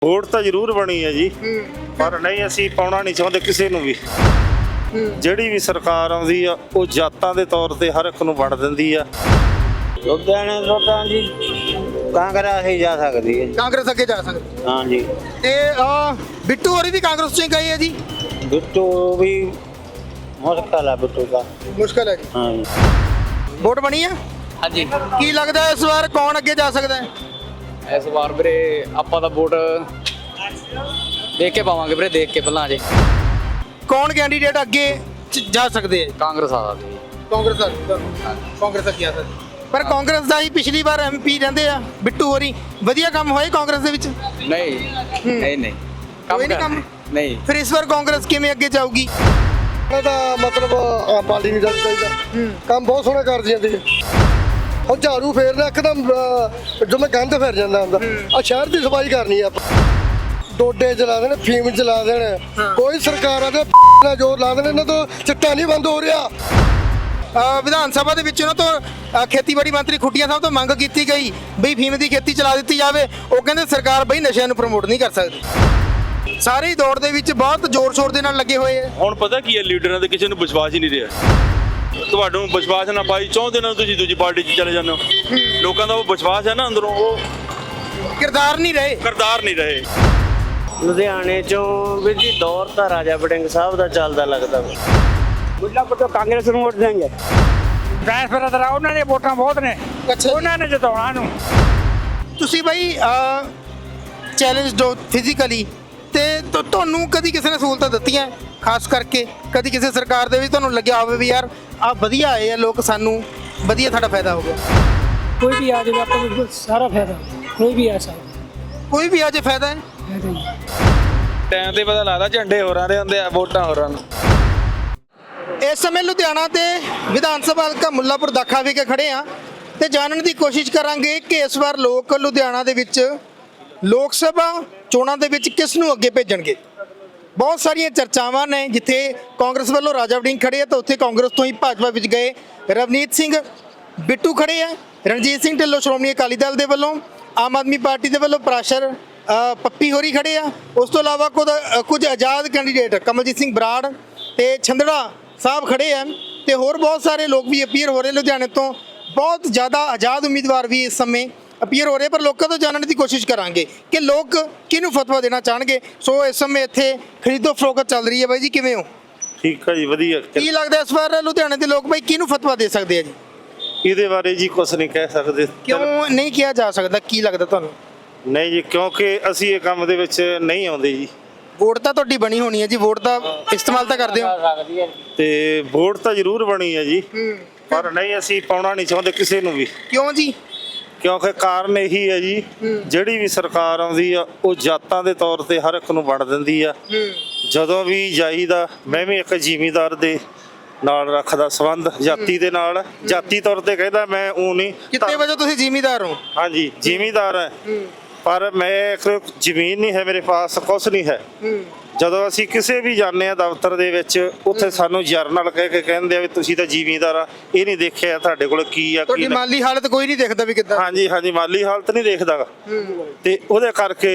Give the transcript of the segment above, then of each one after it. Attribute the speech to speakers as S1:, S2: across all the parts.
S1: Vote ਤਾਂ ਜ਼ਰੂਰ ਬਣੀ ਹੈ ਜੀ, ਪਰ ਨਹੀਂ ਅਸੀਂ ਪਾਉਣਾ ਨਹੀਂ ਚਾਹੁੰਦੇ ਕਿਸੇ ਨੂੰ ਵੀ। ਜਿਹੜੀ ਵੀ ਸਰਕਾਰ ਆਉਂਦੀ ਆ ਉਹ ਜਾਤਾਂ ਦੇ ਤੌਰ ਤੇ ਹਰ ਇੱਕ ਨੂੰ ਵੰਡ ਦਿੰਦੀ ਆ।
S2: ਲੁਧਿਆਣੇ ਤੋਂ ਤਾਂ ਜੀ ਕਾਂਗਰਸ ਹੀ ਜਾ ਸਕਦੀ ਹੈ।
S3: ਕਾਂਗਰਸ ਅੱਗੇ ਜਾ ਸਕਦੀ
S2: ਹਾਂ ਜੀ।
S3: ਤੇ ਬਿੱਟੂ ਹੋਰੀ ਵੀ ਕਾਂਗਰਸ ਚ ਹੀ ਗਏ ਆ ਜੀ।
S2: ਬਿੱਟੂ ਵੀ ਮੁਸ਼ਕਲ ਹੈ, ਬਿੱਟੂ ਦਾ
S3: ਮੁਸ਼ਕਲ ਹੈ ਜੀ।
S2: ਹਾਂ ਜੀ।
S3: ਵੋਟ ਬਣੀ ਆ
S4: ਹਾਂਜੀ
S3: ਕੀ ਲੱਗਦਾ ਇਸ ਵਾਰ ਕੌਣ ਅੱਗੇ ਜਾ ਸਕਦਾ ਹੈ?
S4: ਇਸ ਵਾਰ ਵੀਰੇ ਆਪਾਂ ਤਾਂ ਵੋਟ ਦੇਖ ਕੇ ਪਾਵਾਂਗੇ ਵੀਰੇ, ਦੇਖ ਕੇ ਪਹਿਲਾਂ ਅਜੇ
S3: ਕੌਣ ਕੈਂਡੀਡੇਟ ਅੱਗੇ ਜਾ ਸਕਦੇ ਆ?
S4: ਕਾਂਗਰਸ ਆ ਸਕਦੀ
S3: ਕਾਂਗਰਸ ਅੱਗੇ ਆ ਸਕਦੀ। ਪਰ ਕਾਂਗਰਸ ਦਾ ਹੀ ਪਿਛਲੀ ਵਾਰ ਐਮਪੀ ਰਹਿੰਦੇ ਆ ਬਿੱਟੂ ਹੋਰੀ, ਵਧੀਆ ਕੰਮ ਹੋਏ ਕਾਂਗਰਸ ਦੇ ਵਿੱਚ?
S4: ਨਹੀਂ ਨਹੀਂ
S3: ਕੋਈ ਨਹੀਂ ਕੰਮ?
S4: ਨਹੀਂ।
S3: ਫਿਰ ਇਸ ਵਾਰ ਕਾਂਗਰਸ ਕਿਵੇਂ ਅੱਗੇ ਜਾਊਗੀ?
S5: ਇਹਦਾ ਮਤਲਬ ਆਮ ਪਾਰਟੀ ਨਹੀਂ ਜਾਣੀ ਚਾਹੀਦਾ, ਕੰਮ ਬਹੁਤ ਸੋਹਣਾ ਕਰਦੀ ਜਾਂਦੀ ਹੈ। ਉਹ ਝਾੜੂ ਫੇਰਨਾ ਇੱਕਦਮ ਜਿਵੇਂ ਗੰਦ ਫਿਰ ਜਾਂਦਾ ਹੁੰਦਾ। ਆ ਸ਼ਹਿਰ ਦੀ ਸਫਾਈ ਕਰਨੀ ਆ ਆਪਾਂ। ਡੋਡੇ ਚਲਾ ਦੇਣ, ਫੀਮ ਚਲਾ ਦੇਣ, ਕੋਈ ਸਰਕਾਰਾਂ ਦੇ ਨਾਲ ਜ਼ੋਰ ਲਾ ਦੇਣ, ਇਹਨਾਂ ਤੋਂ ਚਿੱਟਾ ਨਹੀਂ ਬੰਦ ਹੋ ਰਿਹਾ।
S3: ਵਿਧਾਨ ਸਭਾ ਦੇ ਵਿੱਚ ਉਹਨਾਂ ਤੋਂ ਖੇਤੀਬਾੜੀ ਮੰਤਰੀ ਖੁੱਟੀਆਂ ਸਾਹਿਬ ਤੋਂ ਮੰਗ ਕੀਤੀ ਗਈ ਬਈ ਫੀਮ ਦੀ ਖੇਤੀ ਚਲਾ ਦਿੱਤੀ ਜਾਵੇ। ਉਹ ਕਹਿੰਦੇ ਸਰਕਾਰ ਬਈ ਨਸ਼ਿਆਂ ਨੂੰ ਪ੍ਰਮੋਟ ਨਹੀਂ ਕਰ ਸਕਦੀ। ਸਾਰੇ ਹੀ ਦੌੜ ਦੇ ਵਿੱਚ ਬਹੁਤ ਜ਼ੋਰ ਸ਼ੋਰ ਦੇ ਨਾਲ ਲੱਗੇ ਹੋਏ ਆ।
S6: ਹੁਣ ਪਤਾ ਕੀ ਹੈ, ਲੀਡਰਾਂ ਦੇ ਕਿਸੇ ਨੂੰ ਵਿਸ਼ਵਾਸ ਹੀ ਨਹੀਂ ਰਿਹਾ। ਤੁਹਾਨੂੰ ਵਿਸ਼ਵਾਸ ਨਾ ਪਾਈ ਚਾਹੁੰਦੇ ਨਾ ਤੁਸੀਂ ਦੂਜੀ ਪਾਰਟੀ 'ਚ ਚਲੇ ਜਾਂਦੇ ਹੋ। ਲੋਕਾਂ ਦਾ ਉਹ ਵਿਸ਼ਵਾਸ ਹੈ ਨਾ ਅੰਦਰੋਂ, ਉਹ
S3: ਕਿਰਦਾਰ ਨਹੀਂ ਰਹੇ।
S2: ਲੁਧਿਆਣੇ ਚੋਂ ਵੀਰ ਜੀ ਦੌਰ ਤਾਂ ਰਾਜਾ ਵੜਿੰਗ ਸਾਹਿਬ ਦਾ ਚੱਲਦਾ ਲੱਗਦਾ। ਮੁੱਲਾਪੁਰ ਤੋਂ ਕਾਂਗਰਸ ਨੂੰ ਵੋਟ ਦੇਣਗੇ।
S7: ਟ੍ਰਾਂਸਫਰ ਉਹਨਾਂ ਨੇ ਵੋਟਾਂ ਬਹੁਤ ਨੇ, ਉਹਨਾਂ ਨੇ ਜਿਤਾਉਣਾ ਨੂੰ।
S3: ਤੁਸੀਂ ਬਈ ਚੈਲੰਜ ਦੋ ਫਿਜ਼ੀਕਲੀ ਤੇ ਤੁਹਾਨੂੰ ਕਦੀ ਕਿਸੇ ਨੇ ਸਹੂਲਤਾਂ ਦਿੱਤੀਆਂ, ਖਾਸ ਕਰਕੇ ਕਦੀ ਕਿਸੇ ਸਰਕਾਰ ਦੇ ਵਿੱਚ ਤੁਹਾਨੂੰ ਲੱਗਿਆ ਹੋਵੇ ਵੀ ਯਾਰ ਆ ਵਧੀਆ ਆਏ ਆ ਲੋਕ, ਸਾਨੂੰ ਵਧੀਆ ਸਾਡਾ ਫਾਇਦਾ ਹੋ ਗਿਆ?
S7: ਕੋਈ ਵੀ ਆ ਜਾਵੇ ਆਪਾਂ ਨੂੰ ਸਾਰਾ ਫਾਇਦਾ, ਕੋਈ ਵੀ ਆ ਸਕਦਾ,
S3: ਕੋਈ ਵੀ ਅੱਜ ਫਾਇਦਾ ਹੈ।
S6: ਟਾਈਮ ਤੇ ਪਤਾ ਲੱਗਦਾ ਝੰਡੇ ਹੋਰਾਂ ਦੇ ਹੁੰਦੇ ਆ, ਵੋਟਾਂ ਹੋਰਾਂ ਨੂੰ।
S3: ਇਸ ਸਮੇਂ ਲੁਧਿਆਣਾ ਤੇ ਵਿਧਾਨ ਸਭਾ ਹਲਕਾ ਮੁੱਲਾਪੁਰ ਦਾਖਾ ਵਿਖੇ ਖੜੇ ਆ ਤੇ ਜਾਣਨ ਦੀ ਕੋਸ਼ਿਸ਼ ਕਰਾਂਗੇ ਕਿ ਇਸ ਵਾਰ ਲੋਕ ਲੁਧਿਆਣਾ ਦੇ ਵਿੱਚ ਲੋਕ ਸਭਾ ਚੋਣਾਂ ਦੇ ਵਿੱਚ ਕਿਸ ਨੂੰ ਅੱਗੇ ਭੇਜਣਗੇ। ਬਹੁਤ ਸਾਰੀਆਂ ਚਰਚਾਵਾਂ ਨੇ, ਜਿੱਥੇ ਕਾਂਗਰਸ ਵੱਲੋਂ ਰਾਜਾ ਵੜਿੰਗ ਖੜੇ ਆ ਤਾਂ ਉੱਥੇ ਕਾਂਗਰਸ ਤੋਂ ਹੀ ਭਾਜਪਾ ਵਿੱਚ ਗਏ ਰਵਨੀਤ ਸਿੰਘ ਬਿੱਟੂ ਖੜੇ ਆ। ਰਣਜੀਤ ਸਿੰਘ ਢਿੱਲੋਂ ਸ਼੍ਰੋਮਣੀ ਅਕਾਲੀ ਦਲ ਦੇ ਵੱਲੋਂ, ਆਮ ਆਦਮੀ ਪਾਰਟੀ ਦੇ ਵੱਲੋਂ ਪ੍ਰਾਸ਼ਰ ਪੱਪੀ ਹੋਰੀ ਖੜੇ ਆ। ਉਸ ਤੋਂ ਇਲਾਵਾ ਕੁਝ ਆਜ਼ਾਦ ਕੈਂਡੀਡੇਟ ਕਮਲਜੀਤ ਸਿੰਘ ਬਰਾੜ ਤੇ ਛੰਦੜਾ ਸਾਹਿਬ ਖੜੇ ਆ ਤੇ ਹੋਰ ਬਹੁਤ ਸਾਰੇ ਲੋਕ ਵੀ ਅਪੀਅਰ ਹੋ ਰਹੇ। ਲੁਧਿਆਣੇ ਤੋਂ ਬਹੁਤ ਜ਼ਿਆਦਾ ਆਜ਼ਾਦ ਉਮੀਦਵਾਰ ਵੀ ਇਸ ਸਮੇਂ ਅਪੀਅਰ ਹੋ ਰਹੇ, ਪਰ ਲੋਕਾਂ ਤੋਂ ਜਾਣਨ ਦੀ ਕੋਸ਼ਿਸ਼ ਕਰਾਂਗੇ ਕਿ ਲੋਕ ਕਿਹਨੂੰ ਫਤਵਾ ਦੇਣਾ ਚਾਹਣਗੇ। ਸੋ ਇਸ ਸਮੇਂ ਇੱਥੇ ਖਰੀਦੋ ਫਰੋਖਤ ਚੱਲ ਰਹੀ ਹੈ। ਬਾਈ ਜੀ ਕਿਵੇਂ ਹੋ?
S1: ਠੀਕ ਆ ਜੀ, ਵਧੀਆ।
S3: ਕੀ ਲੱਗਦਾ ਇਸ ਵਾਰ ਲੁਧਿਆਣੇ ਦੇ ਲੋਕ ਬਾਈ ਕਿਹਨੂੰ ਫਤਵਾ ਦੇ ਸਕਦੇ ਆ ਜੀ?
S1: ਇਹਦੇ ਬਾਰੇ ਜੀ ਕੁਝ ਨਹੀਂ ਕਹਿ ਸਕਦੇ।
S3: ਕਿਉਂ ਨਹੀਂ ਕਿਹਾ ਜਾ ਸਕਦਾ, ਕੀ ਲੱਗਦਾ ਤੁਹਾਨੂੰ?
S1: ਨਹੀਂ ਜੀ, ਕਿਉਂਕਿ ਅਸੀਂ ਇਹ ਕੰਮ ਦੇ ਵਿੱਚ ਨਹੀਂ ਆਉਂਦੇ ਜੀ।
S3: ਵੋਟ ਤਾਂ ਤੁਹਾਡੀ ਬਣੀ ਹੋਣੀ ਹੈ ਜੀ, ਵੋਟ ਦਾ ਇਸਤੇਮਾਲ ਤਾਂ ਕਰਦੇ ਹੋ।
S1: ਤੇ ਵੋਟ ਤਾਂ ਜ਼ਰੂਰ ਬਣੀ ਹੈ ਜੀ, ਪਰ ਨਹੀਂ ਅਸੀਂ ਪਾਉਣਾ ਨਹੀਂ ਚਾਹੁੰਦੇ ਕਿਸੇ ਨੂੰ ਵੀ।
S3: ਕਿਉਂ ਜੀ?
S1: ਕਿਉਂਕਿ ਕਾਰਨ ਇਹੀ ਹੈ ਜੀ, ਜਿਹੜੀ ਵੀ ਸਰਕਾਰ ਆਉਂਦੀ ਆ ਉਹ ਜਾਤਾਂ ਦੇ ਤੌਰ ਤੇ ਹਰ ਇੱਕ ਨੂੰ ਵੰਡ ਦਿੰਦੀ ਆ। ਜਦੋਂ ਵੀ ਜਾਈਦਾ, ਮੈਂ ਵੀ ਇੱਕ ਜ਼ਿਮੀਂਦਾਰ ਦੇ ਨਾਲ ਰੱਖਦਾ ਸੰਬੰਧ, ਜਾਤੀ ਦੇ ਨਾਲ, ਜਾਤੀ ਤੌਰ ਤੇ ਕਹਿੰਦਾ, ਮੈਂ ਉਹ ਨਹੀਂ।
S3: ਕਿੰਨੇ ਵਜੇ ਤੁਸੀਂ ਜ਼ਿਮੀਂਦਾਰ ਹੋ?
S1: ਹਾਂਜੀ, ਜ਼ਿਮੀਂਦਾਰ ਹੈ, ਪਰ ਮੈਂ ਇੱਕ ਜ਼ਮੀਨ ਨਹੀਂ ਹੈ ਮੇਰੇ ਪਾਸ, ਕੁਛ ਨਹੀਂ ਹੈ। ਜਦੋਂ ਅਸੀਂ ਕਿਸੇ ਵੀ ਜਾਂਦੇ ਆ ਦਫ਼ਤਰ ਦੇ ਵਿੱਚ, ਉੱਥੇ ਸਾਨੂੰ ਜਰਨਲ ਕਹਿ ਕੇ ਕਹਿੰਦੇ ਆ ਵੀ ਤੁਸੀਂ ਤਾਂ ਜ਼ਿਮੀਂਦਾਰ ਆ, ਇਹ ਨਹੀਂ ਦੇਖਿਆ ਤੁਹਾਡੇ ਕੋਲ ਕੀ ਆ,
S3: ਤੁਹਾਡੀ ਮਾਲੀ ਹਾਲਤ ਕੋਈ ਨਹੀਂ ਦੇਖਦਾ ਵੀ ਕਿੱਦਾਂ।
S1: ਹਾਂਜੀ, ਮਾਲੀ ਹਾਲਤ ਨਹੀਂ ਦੇਖਦਾ। ਤੇ ਉਹਦੇ ਕਰਕੇ,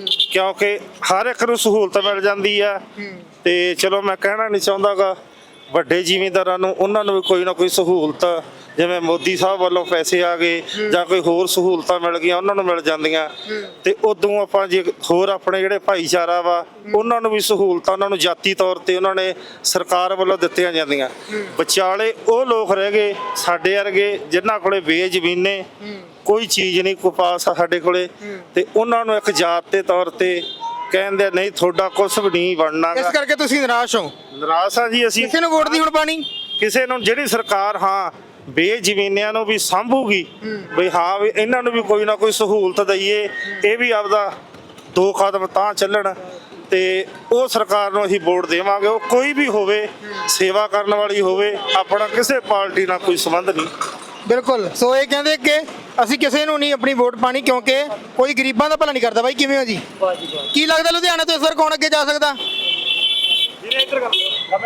S1: ਕਿਉਂਕਿ ਹਰ ਇੱਕ ਨੂੰ ਸਹੂਲਤ ਮਿਲ ਜਾਂਦੀ ਆ, ਤੇ ਚਲੋ ਮੈਂ ਕਹਿਣਾ ਨਹੀਂ ਚਾਹੁੰਦਾਗਾ ਵੱਡੇ ਜ਼ਿਮੀਂਦਾਰਾਂ ਨੂੰ, ਉਹਨਾਂ ਨੂੰ ਵੀ ਕੋਈ ਨਾ ਕੋਈ ਸਹੂਲਤ, ਜਿਵੇਂ ਮੋਦੀ ਸਾਹਿਬ ਵੱਲੋਂ ਪੈਸੇ ਆ ਗਏ ਜਾਂ ਕੋਈ ਹੋਰ ਸਹੂਲਤਾਂ ਮਿਲ ਗਈਆਂ, ਉਹਨਾਂ ਨੂੰ ਮਿਲ ਜਾਂਦੀਆਂ। ਤੇ ਉਦੋਂ ਆਪਾਂ ਜੇ ਹੋਰ ਆਪਣੇ ਜਿਹੜੇ ਭਾਈਚਾਰਾ ਵਾ, ਉਹਨਾਂ ਨੂੰ ਵੀ ਸਹੂਲਤਾਂ, ਉਹਨਾਂ ਨੂੰ ਜਾਤੀ ਤੌਰ ਤੇ ਉਹਨਾਂ ਨੇ ਸਰਕਾਰ ਵੱਲੋਂ ਦਿੱਤੀਆਂ ਜਾਂਦੀਆਂ। ਵਿਚਾਲੇ ਉਹ ਲੋਕ ਰਹਿ ਗਏ ਸਾਡੇ ਵਰਗੇ, ਜਿਨ੍ਹਾਂ ਕੋਲੇ ਬੇਜ਼ਮੀਨੇ, ਕੋਈ ਚੀਜ਼ ਨਹੀਂ ਕੋ ਪਾਸ ਆ ਸਾਡੇ ਕੋਲੇ, ਤੇ ਉਹਨਾਂ ਨੂੰ ਇੱਕ ਜਾਤ ਦੇ ਤੌਰ ਤੇ ਕਹਿੰਦੇ ਨਹੀਂ ਤੁਹਾਡਾ ਕੁਝ ਵੀ ਨਹੀਂ ਬਣਨਾ।
S3: ਇਸ ਕਰਕੇ ਤੁਸੀਂ ਨਿਰਾਸ਼ ਹੋ?
S1: ਨਿਰਾਸ਼ ਆ ਜੀ ਅਸੀਂ।
S3: ਕਿਸੇ ਨੂੰ ਵੋਟ ਦੀ ਹੁਣ ਪਾਣੀ?
S1: ਕਿਸੇ ਨੂੰ, ਜਿਹੜੀ ਸਰਕਾਰ ਹਾਂ ਬੇਜ਼ਮੀਨਿਆਂ ਨੂੰ ਵੀ ਸਾਂਭੂਗੀ, ਬਈ ਹਾਂ ਵੀ ਇਹਨਾਂ ਨੂੰ ਵੀ ਕੋਈ ਨਾ ਕੋਈ ਸਹੂਲਤ ਦਈਏ, ਇਹ ਵੀ ਆਪਦਾ 2 ਕਦਮ ਤਾਂ ਚੱਲਣ, ਤੇ ਉਹ ਸਰਕਾਰ ਨੂੰ ਅਸੀਂ ਵੋਟ ਦੇਵਾਂਗੇ। ਉਹ ਕੋਈ ਵੀ ਹੋਵੇ, ਸੇਵਾ ਕਰਨ ਵਾਲੀ ਹੋਵੇ, ਆਪਣਾ ਕਿਸੇ ਪਾਰਟੀ ਨਾਲ ਕੋਈ ਸੰਬੰਧ ਨਹੀਂ।
S3: ਬਿਲਕੁਲ। ਸੋ ਇਹ ਕਹਿੰਦੇ ਕਿ ਅਸੀਂ ਕਿਸੇ ਨੂੰ ਨਹੀਂ ਆਪਣੀ ਵੋਟ ਪਾਣੀ, ਕਿਉਂਕਿ ਕੋਈ ਗਰੀਬਾਂ ਦਾ ਭਲਾ ਨਹੀਂ ਕਰਦਾ। ਬਾਈ ਕਿਵੇਂ ਹੋ ਜੀ? ਕੀ ਲੱਗਦਾ ਲੁਧਿਆਣਾ ਤੋਂ ਇਸ ਵਾਰ ਕੌਣ ਅੱਗੇ ਜਾ ਸਕਦਾ?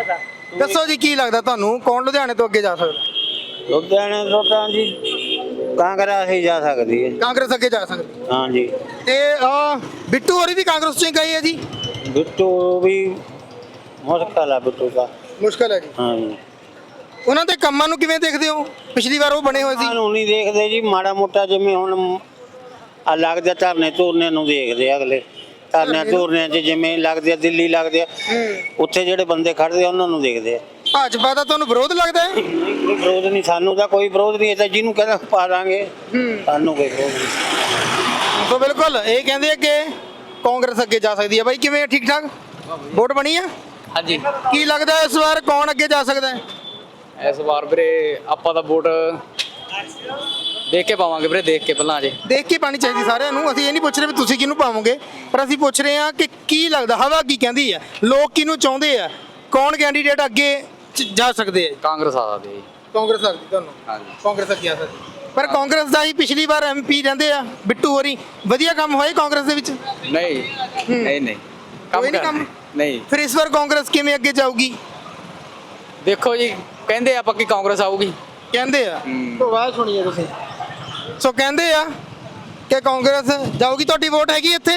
S3: ਦੱਸੋ ਜੀ, ਕੀ ਲੱਗਦਾ ਤੁਹਾਨੂੰ, ਕੌਣ ਲੁਧਿਆਣੇ ਤੋਂ ਅੱਗੇ ਜਾ ਸਕਦਾ?
S2: ਲੁਧਿਆਣੇ ਤੋਂ ਤਾਂ ਜੀ ਕਾਂਗਰਸ ਹੀ ਜਾ ਸਕਦੀ ਹੈ ਜੀ।
S3: ਕਾਂਗਰਸ ਅੱਗੇ ਜਾ ਸਕਦੀ
S2: ਹਾਂਜੀ
S3: ਤੇ ਬਿੱਟੂ ਹੋਰੀ ਵੀ ਕਾਂਗਰਸ ਚੋਂ ਹੀ ਗਏ ਆ ਜੀ।
S2: ਬਿੱਟੂ ਵੀ ਮੁਸ਼ਕਲ ਆ ਬਿੱਟੂ ਦਾ।
S3: ਮੁਸ਼ਕਲ ਹੈ ਜੀ।
S2: ਹਾਂਜੀ
S3: ਉਹਨਾਂ ਦੇ ਕੰਮਾਂ ਨੂੰ ਕਿਵੇਂ ਦੇਖਦੇ ਹੋ? ਪਿਛਲੀ ਵਾਰ ਉਹ ਬਣੇ ਹੋਏ ਸੀ।
S2: ਸਾਨੂੰ ਨਹੀਂ ਦੇਖਦੇ ਜੀ, ਮਾੜਾ ਮੋਟਾ ਜਿਵੇਂ ਹੁਣ ਆ ਲੱਗਦੇ ਧਰਨੇ ਧੁਰਨੇ ਨੂੰ ਦੇਖਦੇ ਆ ਅਗਲੇ। ਧਰਨੇ ਧੁਰਨੇ 'ਚ ਜਿਵੇਂ ਲੱਗਦੇ ਆ, ਦਿੱਲੀ ਲੱਗਦੇ ਆ, ਉੱਥੇ ਜਿਹੜੇ ਬੰਦੇ ਖੜਦੇ ਆ ਉਹਨਾਂ ਨੂੰ ਦੇਖਦੇ ਆ।
S3: ਭਾਜਪਾ ਦਾ ਤੁਹਾਨੂੰ ਵਿਰੋਧ ਲੱਗਦਾ ਹੈ?
S2: ਕੋਈ ਵਿਰੋਧ ਨਹੀਂ, ਸਾਨੂੰ ਤਾਂ ਕੋਈ ਵਿਰੋਧ ਨਹੀਂ। ਇਹ ਤਾਂ ਜਿਹਨੂੰ ਕਹਿੰਦਾ ਪਾ ਦਾਂਗੇ, ਸਾਨੂੰ ਕੋਈ ਵਿਰੋਧ ਨਹੀਂ।
S3: ਸੋ ਬਿਲਕੁਲ ਇਹ ਕਹਿੰਦੇ ਆ ਕਿ ਕਾਂਗਰਸ ਅੱਗੇ ਜਾ ਸਕਦੀ ਹੈ। ਬਾਈ ਕਿਵੇਂ ਠੀਕ ਠਾਕ ਵੋਟ ਬਣੀ ਆ?
S4: ਹਾਂਜੀ
S3: ਕੀ ਲੱਗਦਾ ਇਸ ਵਾਰ ਕੌਣ ਅੱਗੇ ਜਾ ਸਕਦਾ ਹੈ?
S4: ਇਸ ਵਾਰ ਵੀਰੇ ਆਪਾਂ ਤਾਂ ਵੋਟ ਦੇਖ ਕੇ ਪਾਵਾਂਗੇ ਵੀਰੇ, ਦੇਖ ਕੇ ਪਹਿਲਾਂ ਅਜੇ।
S3: ਦੇਖ ਕੇ ਪਾਣੀ ਚਾਹੀਦੀ ਸਾਰਿਆਂ ਨੂੰ। ਅਸੀਂ ਇਹ ਨਹੀਂ ਪੁੱਛ ਰਹੇ ਵੀ ਤੁਸੀਂ ਕਿਹਨੂੰ ਪਾਵੋਗੇ, ਪਰ ਅਸੀਂ ਪੁੱਛ ਰਹੇ ਹਾਂ ਕਿ ਕੀ ਲੱਗਦਾ, ਹਵਾ ਕੀ ਕਹਿੰਦੀ ਹੈ, ਲੋਕ ਕਿਹਨੂੰ ਚਾਹੁੰਦੇ ਆ, ਕੌਣ ਕੈਂਡੀਡੇਟ ਅੱਗੇ ਜਾ ਸਕਦੇ ਆ?
S4: ਕਾਂਗਰਸ ਆ ਸਕਦੀ ਹੈ ਜੀ।
S3: ਕਾਂਗਰਸ ਲੱਗਦੀ ਤੁਹਾਨੂੰ?
S4: ਹਾਂਜੀ
S3: ਕਾਂਗਰਸ ਅੱਗੇ ਆ ਸਕਦੀ, ਪਰ ਕਾਂਗਰਸ ਦਾ ਹੀ ਪਿਛਲੀ ਵਾਰ ਐਮਪੀ ਰਹਿੰਦੇ ਆ ਬਿੱਟੂ ਹੋਰੀ, ਵਧੀਆ ਕੰਮ ਹੋਏ ਕਾਂਗਰਸ ਦੇ ਵਿੱਚ?
S4: ਨਹੀਂ ਨਹੀਂ ਨਹੀਂ
S3: ਕੋਈ ਨਹੀਂ ਕੰਮ?
S4: ਨਹੀਂ।
S3: ਫਿਰ ਇਸ ਵਾਰ ਕਾਂਗਰਸ ਕਿਵੇਂ ਅੱਗੇ ਜਾਊਗੀ?
S4: ਦੇਖੋ ਜੀ, ਕਹਿੰਦੇ ਆ ਪੱਕੀ ਕਾਂਗਰਸ ਆਊਗੀ।
S3: ਕਹਿੰਦੇ ਆ, ਆਵਾਜ਼ ਸੁਣੀਏ ਤੁਸੀਂ। ਸੋ ਕਹਿੰਦੇ ਆ ਕਿ ਕਾਂਗਰਸ ਜਾਊਗੀ। ਤੁਹਾਡੀ ਵੋਟ ਹੈਗੀ ਇੱਥੇ?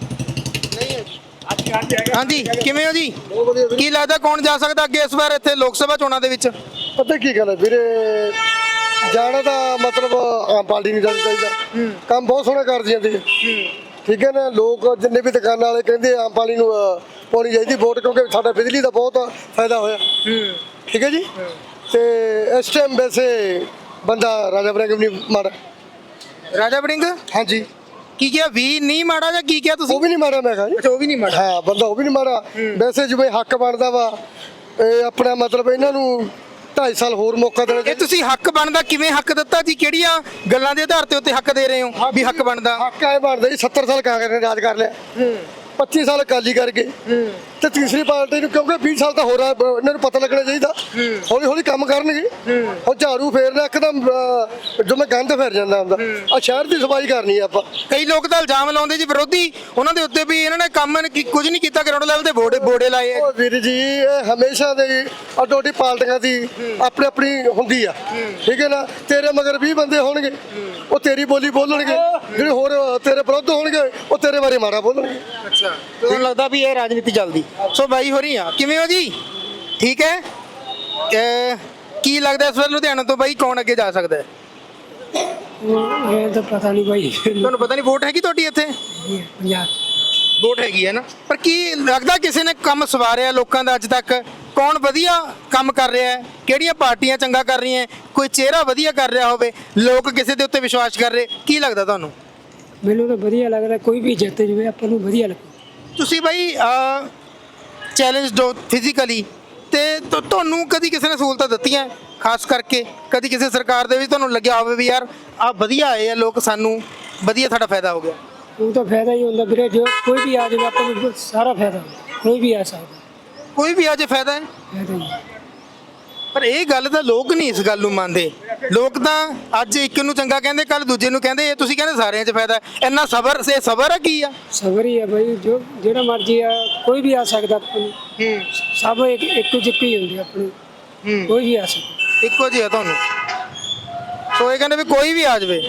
S3: ਹਾਂਜੀ ਕਿਵੇਂ ਹੋ ਜੀ? ਕੀ ਲੱਗਦਾ ਕੌਣ ਜਾ ਸਕਦਾ ਅੱਗੇ ਇਸ ਵਾਰ ਇੱਥੇ ਲੋਕ ਸਭਾ ਚੋਣਾਂ ਦੇ ਵਿੱਚ?
S5: ਪਤਾ ਕੀ ਗੱਲ ਹੈ ਵੀਰੇ, ਜਾਣਾ ਤਾਂ ਮਤਲਬ ਆਮ ਪਾਰਟੀ ਨਹੀਂ ਜਾਣਾ ਚਾਹੀਦਾ। ਕੰਮ ਬਹੁਤ ਸੋਹਣਾ ਕਰਦੀ ਜਾਂਦੀ ਹੈ। ਠੀਕ ਹੈ ਨਾ, ਲੋਕ ਜਿੰਨੇ ਵੀ ਦੁਕਾਨਾਂ ਵਾਲੇ ਕਹਿੰਦੇ ਆਮ ਪਾਰਟੀ ਨੂੰ ਪਾਉਣੀ ਚਾਹੀਦੀ ਵੋਟ, ਕਿਉਂਕਿ ਸਾਡਾ ਬਿਜਲੀ ਦਾ ਬਹੁਤ ਫਾਇਦਾ ਹੋਇਆ। ਠੀਕ ਹੈ ਜੀ। ਤੇ ਇਸ ਟਾਈਮ ਵੈਸੇ ਬੰਦਾ ਰਾਜਾ ਵੜਿੰਗ ਵੀ ਨਹੀਂ ਮਾੜਾ।
S3: ਰਾਜਾ ਵੜਿੰਗ?
S5: ਹਾਂਜੀ।
S3: ਕੀ ਕਿਹਾ ਵੀ ਨਹੀਂ ਮਾੜਾ ਜਾਂ ਕੀ ਕਿਹਾ ਤੁਸੀਂ?
S5: ਉਹ ਵੀ ਨਹੀਂ ਮਾੜਾ, ਮੈਂ ਕਿਹਾ ਜੀ।
S3: ਅੱਛਾ ਉਹ ਵੀ ਨਹੀਂ ਮਾੜਾ।
S5: ਹਾਂ, ਬੰਦਾ ਉਹ ਵੀ ਨਹੀਂ ਮਾੜਾ। ਵੈਸੇ ਜਿਵੇਂ ਹੱਕ ਬਣਦਾ ਵਾ, ਇਹ ਆਪਣਾ ਮਤਲਬ ਇਹਨਾਂ ਨੂੰ 2.5 ਸਾਲ ਹੋਰ ਮੌਕਾ ਦੇਣਾ
S3: ਇਹ ਤੁਸੀਂ ਹੱਕ ਬਣਦਾ ਕਿਵੇਂ ਹੱਕ ਦਿੱਤਾ ਜੀ? ਕਿਹੜੀਆਂ ਗੱਲਾਂ ਦੇ ਆਧਾਰ ਤੇ ਉੱਤੇ ਹੱਕ ਦੇ ਰਹੇ ਹੋ ਵੀ ਹੱਕ ਬਣਦਾ?
S5: ਹੱਕ ਐ ਬਣਦਾ ਜੀ, 70 ਸਾਲ ਕਾਂਗਰਸ ਨੇ ਰਾਜ ਕਰ ਲਿਆ, 25 ਸਾਲ ਅਕਾਲੀ ਕਰ ਗਏ, ਤੇ ਤੀਸਰੀ ਪਾਰਟੀ ਨੂੰ ਕਿਉਂਕਿ 20 ਸਾਲ ਤਾਂ ਹੋਰ ਆ, ਇਹਨਾਂ ਨੂੰ ਪਤਾ ਲੱਗਣਾ ਚਾਹੀਦਾ। ਹੌਲੀ ਹੌਲੀ ਕੰਮ ਕਰਨਗੇ। ਹੁਣ ਝਾੜੂ ਫੇਰਨਾ ਇੱਕਦਮ ਜਿਵੇਂ ਗੰਦ ਫਿਰ ਜਾਂਦਾ ਹੁੰਦਾ। ਆ ਸ਼ਹਿਰ ਦੀ ਸਫਾਈ ਕਰਨੀ ਆ ਆਪਾਂ।
S3: ਕਈ ਲੋਕ ਤਾਂ ਇਲਜ਼ਾਮ ਲਾਉਂਦੇ ਜੀ ਵਿਰੋਧੀ ਉਹਨਾਂ ਦੇ ਉੱਤੇ ਵੀ ਇਹਨਾਂ ਨੇ ਕੰਮ ਕੁਝ ਨਹੀਂ ਕੀਤਾ, ਗਰਾਊਂਡ ਲੈਵਲ ਤੇ ਬੋੜੇ ਲਾਏ ਆ।
S5: ਉਹ ਵੀਰ ਜੀ, ਇਹ ਹਮੇਸ਼ਾ ਦੇ ਅੱਡੋ-ਅੱਡੀ ਪਾਰਟੀਆਂ ਦੀ ਆਪਣੀ ਆਪਣੀ ਹੁੰਦੀ ਆ। ਠੀਕ ਹੈ ਨਾ, ਤੇਰੇ ਮਗਰ 20 ਬੰਦੇ ਹੋਣਗੇ, ਉਹ ਤੇਰੀ ਬੋਲੀ ਬੋਲਣਗੇ, ਜਿਹੜੇ ਹੋਰ ਤੇਰੇ ਵਿਰੁੱਧ ਹੋਣਗੇ ਉਹ ਤੇਰੇ ਬਾਰੇ ਮਾੜਾ ਬੋਲਣਗੇ।
S3: ਅੱਛਾ, ਤੁਹਾਨੂੰ ਲੱਗਦਾ ਵੀ ਇਹ ਰਾਜਨੀਤੀ ਚੱਲਦੀ? ਸੋ ਬਾਈ ਹੋ ਰਹੀ ਆ, ਕਿਵੇਂ ਹੋ ਜੀ? ਠੀਕ ਹੈ। ਕੀ ਲੱਗਦਾ ਇਸ ਵਾਰ ਲੁਧਿਆਣਾ ਤੋਂ ਬਾਈ ਕੌਣ ਅੱਗੇ ਜਾ ਸਕਦਾ ਹੈ?
S7: ਇਹ ਤਾਂ ਪਤਾ ਨਹੀਂ ਭਾਈ।
S3: ਤੁਹਾਨੂੰ ਪਤਾ ਨਹੀਂ? ਵੋਟ ਹੈਗੀ ਤੁਹਾਡੀ ਇੱਥੇ?
S7: ਪੰਜਾਬ
S3: ਵੋਟ ਹੈਗੀ ਹੈ ਨਾ, ਪਰ ਕੀ ਲੱਗਦਾ ਕਿਸੇ ਨੇ ਕੰਮ ਸਵਾਰਿਆ ਲੋਕਾਂ ਦਾ ਅੱਜ ਤੱਕ? ਕੌਣ ਵਧੀਆ ਕੰਮ ਕਰ ਰਿਹਾ ਹੈ? ਕਿਹੜੀਆਂ ਪਾਰਟੀਆਂ ਚੰਗਾ ਕਰ ਰਹੀਆਂ ਹੈ? ਕੋਈ ਚਿਹਰਾ ਵਧੀਆ ਕਰ ਰਿਹਾ ਹੋਵੇ, ਲੋਕ ਕਿਸੇ ਦੇ ਉੱਤੇ ਵਿਸ਼ਵਾਸ ਕਰ ਰਹੇ, ਕੀ ਲੱਗਦਾ ਤੁਹਾਨੂੰ?
S7: ਮੈਨੂੰ ਤਾਂ ਵਧੀਆ ਲੱਗਦਾ, ਕੋਈ ਵੀ ਜਿੱਤ ਜਵੇ ਆਪਾਂ ਨੂੰ ਵਧੀਆ ਲੱਗੂ।
S3: ਤੁਸੀਂ ਬਾਈ ਚੈਲੰਜ ਹੋ ਫਿਜ਼ੀਕਲੀ, ਤੇ ਤੁਹਾਨੂੰ ਕਦੀ ਕਿਸੇ ਨੇ ਸਹੂਲਤਾਂ ਦਿੱਤੀਆਂ ਖਾਸ ਕਰਕੇ? ਕਦੀ ਕਿਸੇ ਸਰਕਾਰ ਦੇ ਵਿੱਚ ਤੁਹਾਨੂੰ ਲੱਗਿਆ ਹੋਵੇ ਵੀ ਯਾਰ ਆ ਵਧੀਆ ਆਏ ਆ ਲੋਕ, ਸਾਨੂੰ ਵਧੀਆ ਸਾਡਾ ਫਾਇਦਾ ਹੋ ਗਿਆ?
S7: ਉਹ ਤਾਂ ਫਾਇਦਾ ਹੀ ਹੁੰਦਾ ਵੀਰੇ, ਜੋ ਕੋਈ ਵੀ ਆ ਜਾਵੇ ਆਪਾਂ ਨੂੰ ਸਾਰਾ ਫਾਇਦਾ ਹੁੰਦਾ। ਕੋਈ ਵੀ ਆ ਸਕਦਾ,
S3: ਕੋਈ ਵੀ ਅੱਜ ਫਾਇਦਾ ਹੈ,
S7: ਫਾਇਦਾ ਹੀ।
S3: ਪਰ ਇਹ ਗੱਲ ਤਾਂ ਲੋਕ ਨਹੀਂ ਇਸ ਗੱਲ ਨੂੰ ਮੰਨਦੇ। ਲੋਕ ਤਾਂ ਅੱਜ ਇੱਕ ਨੂੰ ਚੰਗਾ ਕਹਿੰਦੇ, ਕੱਲ ਦੂਜੇ ਨੂੰ ਕਹਿੰਦੇ, ਇਹ ਤੁਸੀਂ ਕਹਿੰਦੇ ਸਾਰਿਆਂ 'ਚ ਫਾਇਦਾ ਹੈ। ਇੰਨਾ ਸਬਰ ਸੇ ਸਬਰ ਹੈ ਕੀ ਆ?
S7: ਸਬਰ ਹੀ ਆ ਭਾਈ, ਜੋ ਜਿਹੜਾ ਮਰਜੀ ਆ ਕੋਈ ਵੀ ਆ ਸਕਦਾ ਆਪਾਂ ਨੂੰ। ਸਭ ਇੱਕੋ ਜਿਹੇ ਹੀ ਹੁੰਦੇ ਆਪਣੇ, ਕੋਈ ਵੀ ਆ ਸਕਦਾ।
S3: ਇੱਕੋ ਜਿਹਾ ਤੁਹਾਨੂੰ? ਸੋ ਇਹ ਕਹਿੰਦੇ ਵੀ ਕੋਈ ਵੀ ਆ ਜਾਵੇ।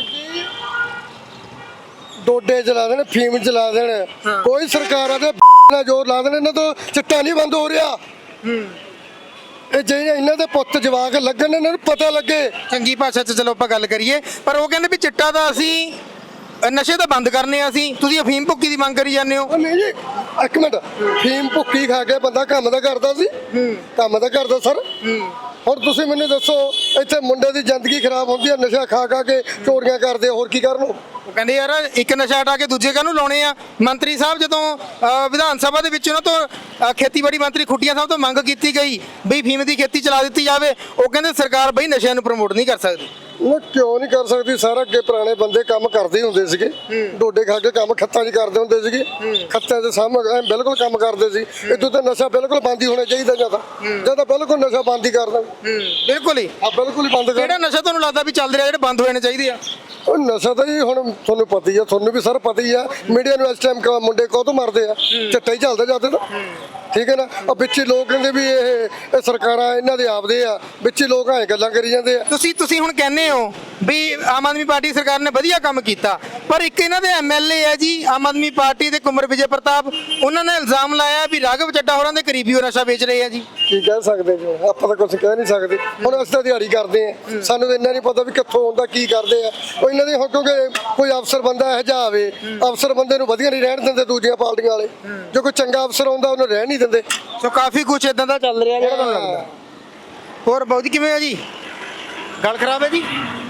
S5: ਡੋਡੇ ਚਲਾ ਦੇਣ, ਫੀਮ ਚਲਾ ਦੇਣ, ਕੋਈ ਸਰਕਾਰਾਂ ਦੇ ਨਾਲ ਜ਼ੋਰ ਲਾ ਦੇਣ, ਇਹਨਾਂ ਤੋਂ ਚਿੱਟਾ ਨਹੀਂ ਬੰਦ ਹੋ ਰਿਹਾ। ਇਹ ਜਿਹੜੇ ਇਹਨਾਂ ਦੇ ਪੁੱਤ ਜਵਾਕ ਲੱਗਣ, ਇਹਨਾਂ ਨੂੰ ਪਤਾ ਲੱਗੇ।
S3: ਚੰਗੀ ਭਾਸ਼ਾ 'ਚ ਚਲੋ ਆਪਾਂ ਗੱਲ ਕਰੀਏ, ਪਰ ਉਹ ਕਹਿੰਦੇ ਵੀ ਚਿੱਟਾ ਦਾ ਅਸੀਂ ਨਸ਼ੇ ਤਾਂ ਬੰਦ ਕਰਨੇ ਆ ਅਸੀਂ, ਤੁਸੀਂ ਅਫੀਮ ਭੁੱਕੀ ਦੀ ਮੰਗ ਕਰੀ ਜਾਂਦੇ ਹੋ।
S5: ਉਹ ਨਹੀਂ ਜੀ, ਇੱਕ ਮਿੰਟ, ਫੀਮ ਭੁੱਕੀ ਖਾ ਕੇ ਬੰਦਾ ਕੰਮ ਤਾਂ ਕਰਦਾ ਸੀ, ਕੰਮ ਤਾਂ ਕਰਦਾ ਸਰ। ਹੁਣ ਤੁਸੀਂ ਮੈਨੂੰ ਦੱਸੋ, ਇੱਥੇ ਮੁੰਡੇ ਦੀ ਜ਼ਿੰਦਗੀ ਖਰਾਬ ਹੁੰਦੀ ਹੈ, ਨਸ਼ਾ ਖਾ ਖਾ ਕੇ ਚੋਰੀਆਂ ਕਰਦੇ, ਹੋਰ ਕੀ ਕਰਨ?
S3: ਉਹ ਕਹਿੰਦੇ ਯਾਰ ਇੱਕ ਨਸ਼ਾ ਹਟਾ ਕੇ ਦੂਜੇ ਕਾਹਨੂੰ ਲਾਉਣੇ ਆ? ਮੰਤਰੀ ਸਾਹਿਬ ਜਦੋਂ ਵਿਧਾਨ ਸਭਾ ਦੇ ਵਿੱਚ ਉਹਨਾਂ ਤੋਂ ਖੇਤੀਬਾੜੀ ਮੰਤਰੀ ਖੁੱਟੀਆਂ ਸਾਹਿਬ ਤੋਂ ਮੰਗ ਕੀਤੀ ਗਈ ਬਈ ਫੀਮ ਦੀ ਖੇਤੀ ਚਲਾ ਦਿੱਤੀ ਜਾਵੇ, ਉਹ ਕਹਿੰਦੇ ਸਰਕਾਰ ਬਈ ਨਸ਼ਿਆਂ ਨੂੰ ਪ੍ਰਮੋਟ ਨਹੀਂ ਕਰ ਸਕਦੀ।
S5: ਉਹ ਕਿਉਂ ਨਹੀਂ ਕਰ ਸਕਦੀ? ਸਾਰਾ ਅੱਗੇ ਪੁਰਾਣੇ ਬੰਦੇ ਕੰਮ ਕਰਦੇ ਹੁੰਦੇ ਸੀਗੇ, ਡੋਡੇ ਖਾ ਕੇ ਕੰਮ ਖੱਤਾਂ 'ਚ ਕਰਦੇ ਹੁੰਦੇ ਸੀਗੇ, ਖੱਤਾਂ ਦੇ ਸਾਹਮਣੇ ਬਿਲਕੁਲ ਕੰਮ ਕਰਦੇ ਸੀ। ਇਦੋਂ ਤਾਂ ਨਸ਼ਾ ਬਿਲਕੁਲ ਬੰਦ ਹੀ ਹੋਣਾ ਚਾਹੀਦਾ, ਜਾਂ ਤਾਂ ਬਿਲਕੁਲ ਨਸ਼ਾ ਬੰਦ ਹੀ ਕਰ ਦੇਣ।
S3: ਬਿਲਕੁਲ ਹੀ,
S5: ਆ ਬਿਲਕੁਲ ਹੀ ਬੰਦ ਕਰ।
S3: ਕਿਹੜਾ ਨਸ਼ਾ ਤੁਹਾਨੂੰ ਲੱਗਦਾ ਵੀ ਚੱਲ ਰਿਹਾ ਜਿਹੜੇ ਬੰਦ ਹੋਣੇ ਚਾਹੀਦੇ ਆ?
S5: ਉਹ ਨਸ਼ਾ ਤਾਂ ਜੀ ਹੁਣ ਤੁਹਾਨੂੰ ਪਤਾ ਹੀ ਆ, ਤੁਹਾਨੂੰ ਵੀ ਸਰ ਪਤਾ ਹੀ ਆ। ਮੀਡੀਆ ਨੂੰ ਇਸ ਟਾਈਮ ਮੁੰਡੇ ਕਾਹਤੋਂ ਮਾਰਦੇ ਆ, ਚਿੱਟਾ ਹੀ ਚੱਲਦਾ ਜਾਂਦੇ ਤਾਂ, ਠੀਕ ਹੈ ਨਾ। ਉਹ ਵਿੱਚ ਹੀ ਲੋਕ ਕਹਿੰਦੇ ਵੀ ਇਹ ਸਰਕਾਰਾਂ ਇਹਨਾਂ ਦੇ ਆਪਦੇ ਆ, ਵਿੱਚ ਹੀ ਲੋਕ ਐਂ ਗੱਲਾਂ ਕਰੀ ਜਾਂਦੇ ਆ।
S3: ਤੁਸੀਂ ਹੁਣ ਕਹਿੰਦੇ ਹੋ ਵੀ ਆਮ ਆਦਮੀ ਪਾਰਟੀ ਸਰਕਾਰ ਨੇ ਵਧੀਆ ਕੰਮ ਕੀਤਾ, ਪਰ ਇੱਕ ਇਹਨਾਂ ਦੇ ਐਮਐਲਏ ਹੈ ਜੀ ਆਮ ਆਦਮੀ ਪਾਰਟੀ ਦੇ ਕੁਮਰ ਵਿਜੇ ਪ੍ਰਤਾਪ, ਉਹਨਾਂ ਨੇ ਇਲਜ਼ਾਮ ਲਾਇਆ ਵੀ ਰਾਘਵ ਚੱਡਾ ਹੋਰਾਂ ਦੇ ਕਰੀਬੀ ਉਹ ਨਸ਼ਾ ਵੇਚ ਰਹੇ ਆ ਜੀ।
S5: ਕੀ ਕਹਿ ਸਕਦੇ ਜੀ, ਆਪਾਂ ਤਾਂ ਕੁਝ ਕਹਿ ਨਹੀਂ ਸਕਦੇ। ਹੁਣ ਅਸੀਂ ਤਾਂ ਦਿਹਾੜੀ ਕਰਦੇ ਆ, ਸਾਨੂੰ ਤਾਂ ਇੰਨਾ ਨਹੀਂ ਪਤਾ ਵੀ ਕਿੱਥੋਂ ਆਉਂਦਾ ਕੀ ਕਰਦੇ ਆ ਉਹ ਇਹਨਾਂ ਦੇ। ਹੁਣ ਕਿਉਂਕਿ ਕੋਈ ਅਫਸਰ ਬੰਦਾ ਇਹੋ ਜਿਹਾ ਆਵੇ, ਅਫਸਰ ਬੰਦੇ ਨੂੰ ਵਧੀਆ ਨਹੀਂ ਰਹਿਣ ਦਿੰਦੇ ਦੂਜੀਆਂ ਪਾਰਟੀਆਂ ਵਾਲੇ। ਜੋ ਕੋਈ ਚੰਗਾ ਅਫਸਰ ਆਉਂਦਾ ਉਹਨੂੰ ਰਹਿਣ ਨਹੀਂ ਦਿੰਦੇ।
S3: ਸੋ ਕਾਫੀ ਕੁਝ ਇਦਾਂ ਦਾ ਚੱਲ ਰਿਹਾ ਜਿਹੜਾ ਤੁਹਾਨੂੰ ਲੱਗਦਾ। ਹੋਰ ਬਾਊ ਜੀ ਕਿਵੇਂ ਹੋ ਜੀ? ਗੱਲ ਖਰਾਬ ਹੈ ਜੀ?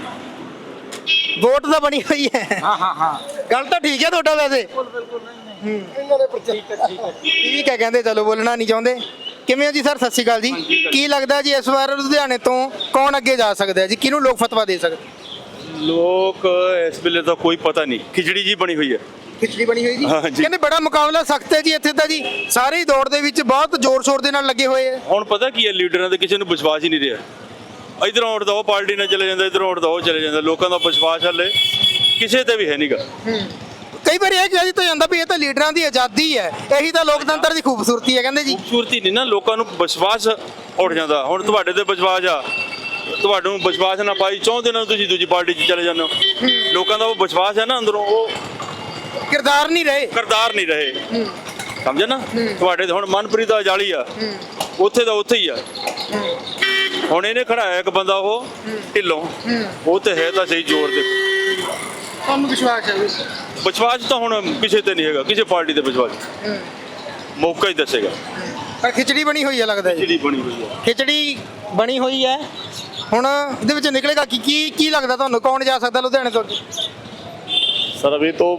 S3: ਵੋਟ ਤਾਂ ਬਣੀ ਹੋਈ ਹੈ। ਹਾਂ ਗੱਲ ਤਾਂ ਠੀਕ ਹੈ ਤੁਹਾਡਾ ਵੈਸੇ।
S5: ਇਹਨਾਂ ਨੇ
S3: ਠੀਕ ਹੈ, ਕਹਿੰਦੇ ਚਲੋ ਬੋਲਣਾ ਨਹੀਂ ਚਾਹੁੰਦੇ। ਕਿਵੇਂ ਹੋ ਜੀ ਸਰ? ਸਤਿ ਸ਼੍ਰੀ ਅਕਾਲ ਜੀ। ਕੀ ਲੱਗਦਾ ਜੀ ਇਸ ਵਾਰ ਲੁਧਿਆਣੇ ਤੋਂ ਕੌਣ ਅੱਗੇ ਜਾ ਸਕਦਾ ਹੈ ਜੀ? ਕਿਹਨੂੰ ਲੋਕ ਫਤਵਾ ਦੇ ਸਕਦੇ?
S6: ਲੋਕ ਇਸ ਵੇਲੇ ਤਾਂ ਕੋਈ ਪਤਾ ਨਹੀਂ, ਖਿਚੜੀ ਜੀ ਬਣੀ ਹੋਈ ਹੈ।
S3: ਖਿਚੜੀ ਬਣੀ ਹੋਈ ਜੀ।
S6: ਹਾਂ ਜੀ।
S3: ਕਹਿੰਦੇ ਬੜਾ ਮੁਕਾਬਲਾ ਸਖਤ ਹੈ ਜੀ ਇੱਥੇ ਤਾਂ ਜੀ, ਸਾਰੇ ਹੀ ਦੌੜ ਦੇ ਵਿੱਚ ਬਹੁਤ ਜ਼ੋਰ ਸ਼ੋਰ ਦੇ ਨਾਲ ਲੱਗੇ ਹੋਏ ਆ।
S6: ਹੁਣ ਪਤਾ ਕੀ ਹੈ, ਲੀਡਰਾਂ ਤੇ ਕਿਸੇ ਨੂੰ ਵਿਸ਼ਵਾਸ ਹੀ ਨਹੀਂ ਰਿਹਾ। ਇਧਰੋਂ ਉੱਠਦਾ ਉਹ ਪਾਰਟੀ ਨਾਲ ਚਲੇ ਜਾਂਦਾ, ਇਧਰੋਂ ਉੱਠਦਾ ਉਹ ਚਲੇ ਜਾਂਦਾ। ਲੋਕਾਂ ਦਾ ਵਿਸ਼ਵਾਸ ਹਲੇ ਕਿਸੇ ਤੇ ਵੀ ਹੈ ਨਹੀਂਗਾ।
S3: ਕਈ ਵਾਰ ਇਹ ਕਿਹਾ ਜੀ ਤਾਂ ਜਾਂਦਾ ਵੀ ਇਹ ਤਾਂ ਲੀਡਰਾਂ ਦੀ ਆਜ਼ਾਦੀ ਹੈ, ਇਹੀ ਤਾਂ ਲੋਕਤੰਤਰ ਦੀ ਖੂਬਸੂਰਤੀ ਹੈ ਕਹਿੰਦੇ ਜੀ।
S6: ਖੂਬਸੂਰਤੀ ਨਹੀਂ ਨਾ, ਲੋਕਾਂ ਨੂੰ ਵਿਸ਼ਵਾਸ ਉੱਠ ਜਾਂਦਾ। ਹੁਣ ਤੁਹਾਡੇ ਤੇ ਵਿਸ਼ਵਾਸ ਆ, ਤੁਹਾਨੂੰ ਵਿਸ਼ਵਾਸ ਨਾ ਪਾਈ 4 ਦਿਨਾਂ ਨੂੰ ਤੁਸੀਂ ਦੂਜੀ ਪਾਰਟੀ 'ਚ ਚਲੇ ਜਾਂਦੇ ਹੋ। ਲੋਕਾਂ ਦਾ ਉਹ ਵਿਸ਼ਵਾਸ ਹੈ ਨਾ ਅੰਦਰੋਂ, ਉਹ
S3: ਕਿਰਦਾਰ ਨਹੀਂ ਰਹੇ।
S6: ਕਰਤਾਰ ਨਹੀਂ ਰਹੇ। ਸਮਝੇ ਨਾ? ਤੁਹਾਡੇ ਤੇ ਹੁਣ ਮਨਪ੍ਰੀਤ ਦਾ ਜਾਲੀ ਆ, ਉੱਥੇ ਦਾ ਉੱਥੇ ਹੀ ਆ। ਹੁਣ ਇਹਨੇ ਖੜਾਇਆ ਇੱਕ ਬੰਦਾ ਉਹ ਢਿੱਲੋਂ, ਉਹ ਤੇ ਹੈ ਤਾਂ ਸਹੀ ਜ਼ੋਰ ਤੇ।
S3: ਤੁਹਾਨੂੰ ਵਿਸ਼ਵਾਸ ਹੈ?
S6: ਵਿਸ਼ਵਾਸ ਤਾਂ ਹੁਣ ਕਿਸੇ ਤੇ ਨਹੀਂ ਹੈਗਾ, ਕਿਸੇ ਪਾਰਟੀ ਤੇ ਵਿਸ਼ਵਾਸ। ਮੌਕਾ ਹੀ ਦੱਸੇਗਾ।
S3: ਪਰ ਖਿਚੜੀ ਬਣੀ ਹੋਈ ਹੈ ਲੱਗਦਾ ਜੀ।
S6: ਜਿਹੜੀ ਬਣੀ ਹੋਈ ਹੈ,
S3: ਖਿਚੜੀ ਬਣੀ ਹੋਈ ਹੈ। ਹੁਣ ਇਹਦੇ ਵਿੱਚ ਨਿਕਲੇਗਾ ਕੀ ਲੱਗਦਾ ਤੁਹਾਨੂੰ, ਕੌਣ ਜਾ ਸਕਦਾ ਲੁਧਿਆਣੇ ਤੋਂ?
S8: सर अभी तो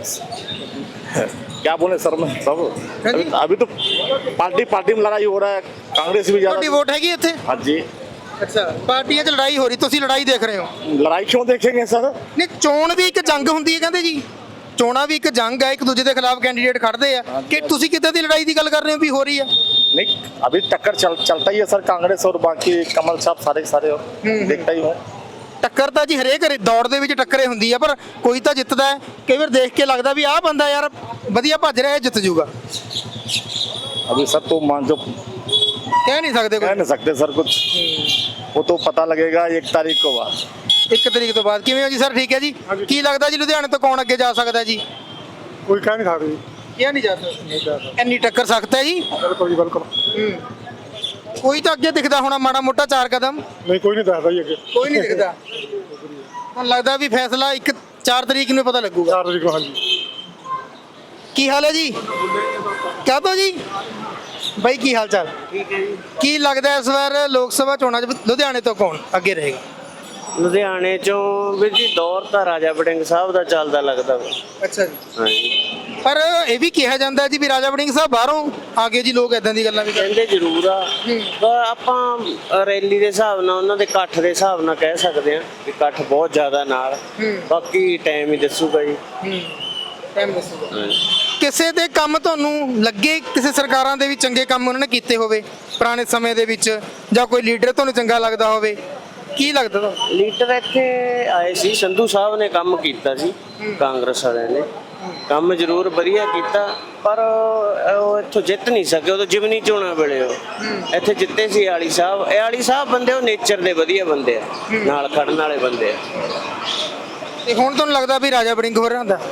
S8: क्या बोले सर मैं सब अभी तो पार्टी में लड़ाई हो रहा है, कांग्रेस भी
S3: ਤੁਹਾਡੀ
S8: ज्यादा।
S3: ਵੋਟ ਹੈਗੀ ਇੱਥੇ?
S8: हाँ जी।
S3: ਅੱਛਾ, ਪਾਰਟੀਆਂ 'ਚ ਲੜਾਈ ਹੋ ਰਹੀ, ਤੁਸੀਂ ਲੜਾਈ ਦੇਖ ਰਹੇ ਹੋ?
S8: लड़ाई क्यों देखेंगे सर?
S3: ਨਹੀਂ, ਚੋਣ ਵੀ ਇੱਕ ਜੰਗ ਹੁੰਦੀ ਹੈ ਕਹਿੰਦੇ ਜੀ। ਚੋਣਾਂ ਵੀ ਇੱਕ ਜੰਗ ਹੈ, ਇੱਕ ਦੂਜੇ ਦੇ ਖਿਲਾਫ ਕੈਂਡੀਡੇਟ ਖੜਦੇ ਆ। ਕਿ ਤੁਸੀਂ ਕਿੱਦਾਂ ਦੀ ਲੜਾਈ ਦੀ ਗੱਲ ਕਰ ਰਹੇ ਹੋ ਵੀ ਹੋ ਰਹੀ ਆ?
S8: नहीं अभी टक्कर चलता ही है सर, कांग्रेस और बाकी कमल साहब सारे और देखता ही हूँ।
S3: ਟੱਕਰ ਤਾਂ ਜੀ ਹਰੇਕ ਦੌੜ ਦੇ ਵਿੱਚ ਟੱਕਰੇ ਹੁੰਦੀ ਆ, ਪਰ ਕੋਈ ਤਾਂ ਜਿੱਤਦਾ ਹੈ। ਕਈ ਵਾਰ ਦੇਖ ਕੇ ਲੱਗਦਾ ਵੀ ਆਹ ਬੰਦਾ ਯਾਰ ਵਧੀਆ ਭੱਜ ਰਿਹਾ, ਜਿੱਤ ਜੂਗਾ।
S8: अभी सर तो मान जो
S3: ਕਹਿ ਨਹੀਂ ਸਕਦੇ
S8: कह
S3: ਕੋਈ।
S8: नहीं सकते सर कुछ, वो तो पता लगेगा 1 तारीख को बाद।
S3: 1 ਤਰੀਕ ਤੋਂ ਬਾਅਦ। ਕਿਵੇਂ ਹੋ ਜੀ ਸਰ? ਠੀਕ ਹੈ ਜੀ। ਕੀ ਲੱਗਦਾ ਜੀ ਲੁਧਿਆਣੇ ਤੋਂ ਕੌਣ ਅੱਗੇ ਜਾ ਸਕਦਾ ਜੀ?
S5: ਕੋਈ ਕਹਿ ਨਹੀਂ ਸਕਦੇ।
S3: ਕਿਹਾ ਨਹੀਂ ਜਾ ਸਕਦਾ, ਇੰਨੀ ਟੱਕਰ ਸਖਤ ਹੈ ਜੀ।
S5: ਬਿਲਕੁਲ ਜੀ ਬਿਲਕੁਲ।
S3: ਕੋਈ ਤਾਂ ਅੱਗੇ ਦਿਖਦਾ ਹੋਣਾ ਮਾੜਾ ਮੋਟਾ 4 ਕਦਮ?
S5: ਨਹੀਂ ਕੋਈ ਨਹੀਂ ਦੱਸਦਾ ਜੀ ਅੱਗੇ।
S3: ਕੋਈ ਨਹੀਂ ਦਿਖਦਾ। ਹੁਣ ਲੱਗਦਾ ਵੀ ਫੈਸਲਾ 4 ਤਰੀਕ ਨੂੰ ਪਤਾ ਲੱਗੂਗਾ।
S5: 4 ਤਰੀਕ ਨੂੰ। ਹਾਂਜੀ।
S3: ਕੀ ਹਾਲ ਹੈ ਜੀ? ਕਹਿ ਦੋ ਜੀ ਬਾਈ, ਕੀ ਹਾਲ ਚਾਲ? ਠੀਕ ਹੈ ਜੀ। ਕੀ ਲੱਗਦਾ ਇਸ ਵਾਰ ਲੋਕ ਸਭਾ ਚੋਣਾਂ 'ਚ ਲੁਧਿਆਣੇ ਤੋਂ ਕੌਣ ਅੱਗੇ ਰਹੇਗਾ?
S2: ਲੁਧਿਆਣੇ ਚੋਂ ਵੀਰ ਜੀ ਦੌਰ ਤਾਂ ਰਾਜਾ ਵੜਿੰਗ ਸਾਹਿਬ ਦਾ ਚੱਲਦਾ ਲੱਗਦਾ ਵਾ।
S3: ਅੱਛਾ ਜੀ।
S2: ਹਾਂਜੀ।
S3: ਪਰ ਇਹ ਵੀ ਕਿਹਾ ਜਾਂਦਾ ਜੀ ਵੀ ਰਾਜਾ ਵੜਿੰਗ ਸਾਹਿਬ ਬਾਹਰੋਂ ਆ ਗਏ ਜੀ, ਲੋਕ ਇਦਾਂ ਦੀ ਗੱਲਾਂ ਵੀ
S2: ਕਹਿੰਦੇ ਜ਼ਰੂਰ ਆ, ਪਰ ਆਪਾਂ ਰੈਲੀ ਦੇ ਹਿਸਾਬ ਨਾਲ, ਉਹਨਾਂ ਦੇ ਇਕੱਠ ਦੇ ਹਿਸਾਬ ਨਾਲ ਕਹਿ ਸਕਦੇ ਆ ਕਿ ਇਕੱਠ ਬਹੁਤ ਜ਼ਿਆਦਾ ਨਾਲ। ਬਾਕੀ ਟਾਈਮ ਹੀ ਦੱਸੂਗਾ ਜੀ।
S3: ਟਾਈਮ ਦੱਸੂਗਾ। ਕਿਸੇ ਦੇ ਕੰਮ ਤੁਹਾਨੂੰ ਲੱਗੇ, ਕਿਸੇ ਸਰਕਾਰਾਂ ਦੇ ਵੀ ਚੰਗੇ ਕੰਮ ਉਹਨਾਂ ਨੇ ਕੀਤੇ ਹੋਵੇ ਪੁਰਾਣੇ ਸਮੇਂ ਦੇ ਵਿੱਚ, ਜਾਂ ਕੋਈ ਲੀਡਰ ਤੁਹਾਨੂੰ ਚੰਗਾ ਲੱਗਦਾ ਹੋਵੇ? ਕੀ ਲੱਗਦਾ ਤੁਹਾਨੂੰ?
S2: ਲੀਡਰ ਇੱਥੇ ਆਏ ਸੀ, ਸੰਧੂ ਸਾਹਿਬ ਨੇ ਕੰਮ ਕੀਤਾ ਸੀ, ਕਾਂਗਰਸ ਵਾਲਿਆਂ ਨੇ ਕੰਮ ਜ਼ਰੂਰ ਵਧੀਆ ਕੀਤਾ, ਪਰ ਉਹ ਇੱਥੋਂ ਜਿੱਤ ਨਹੀਂ ਸਕੇ। ਉਦੋਂ ਜਿਮਨੀ ਚੋਣਾਂ ਵੇਲੇ ਉਹ ਇੱਥੇ ਜਿੱਤੇ ਸੀ। ਆਲੀ ਸਾਹਿਬ ਬੰਦੇ ਉਹ ਨੇਚਰ ਦੇ ਵਧੀਆ ਬੰਦੇ ਆ, ਨਾਲ ਖੜਨ ਵਾਲੇ ਬੰਦੇ ਆ।
S3: ਤੇ ਹੁਣ ਤੁਹਾਨੂੰ ਲੱਗਦਾ ਵੀ ਰਾਜਾ ਵੜਿੰਗ ਹੋਰਾਂ ਦਾ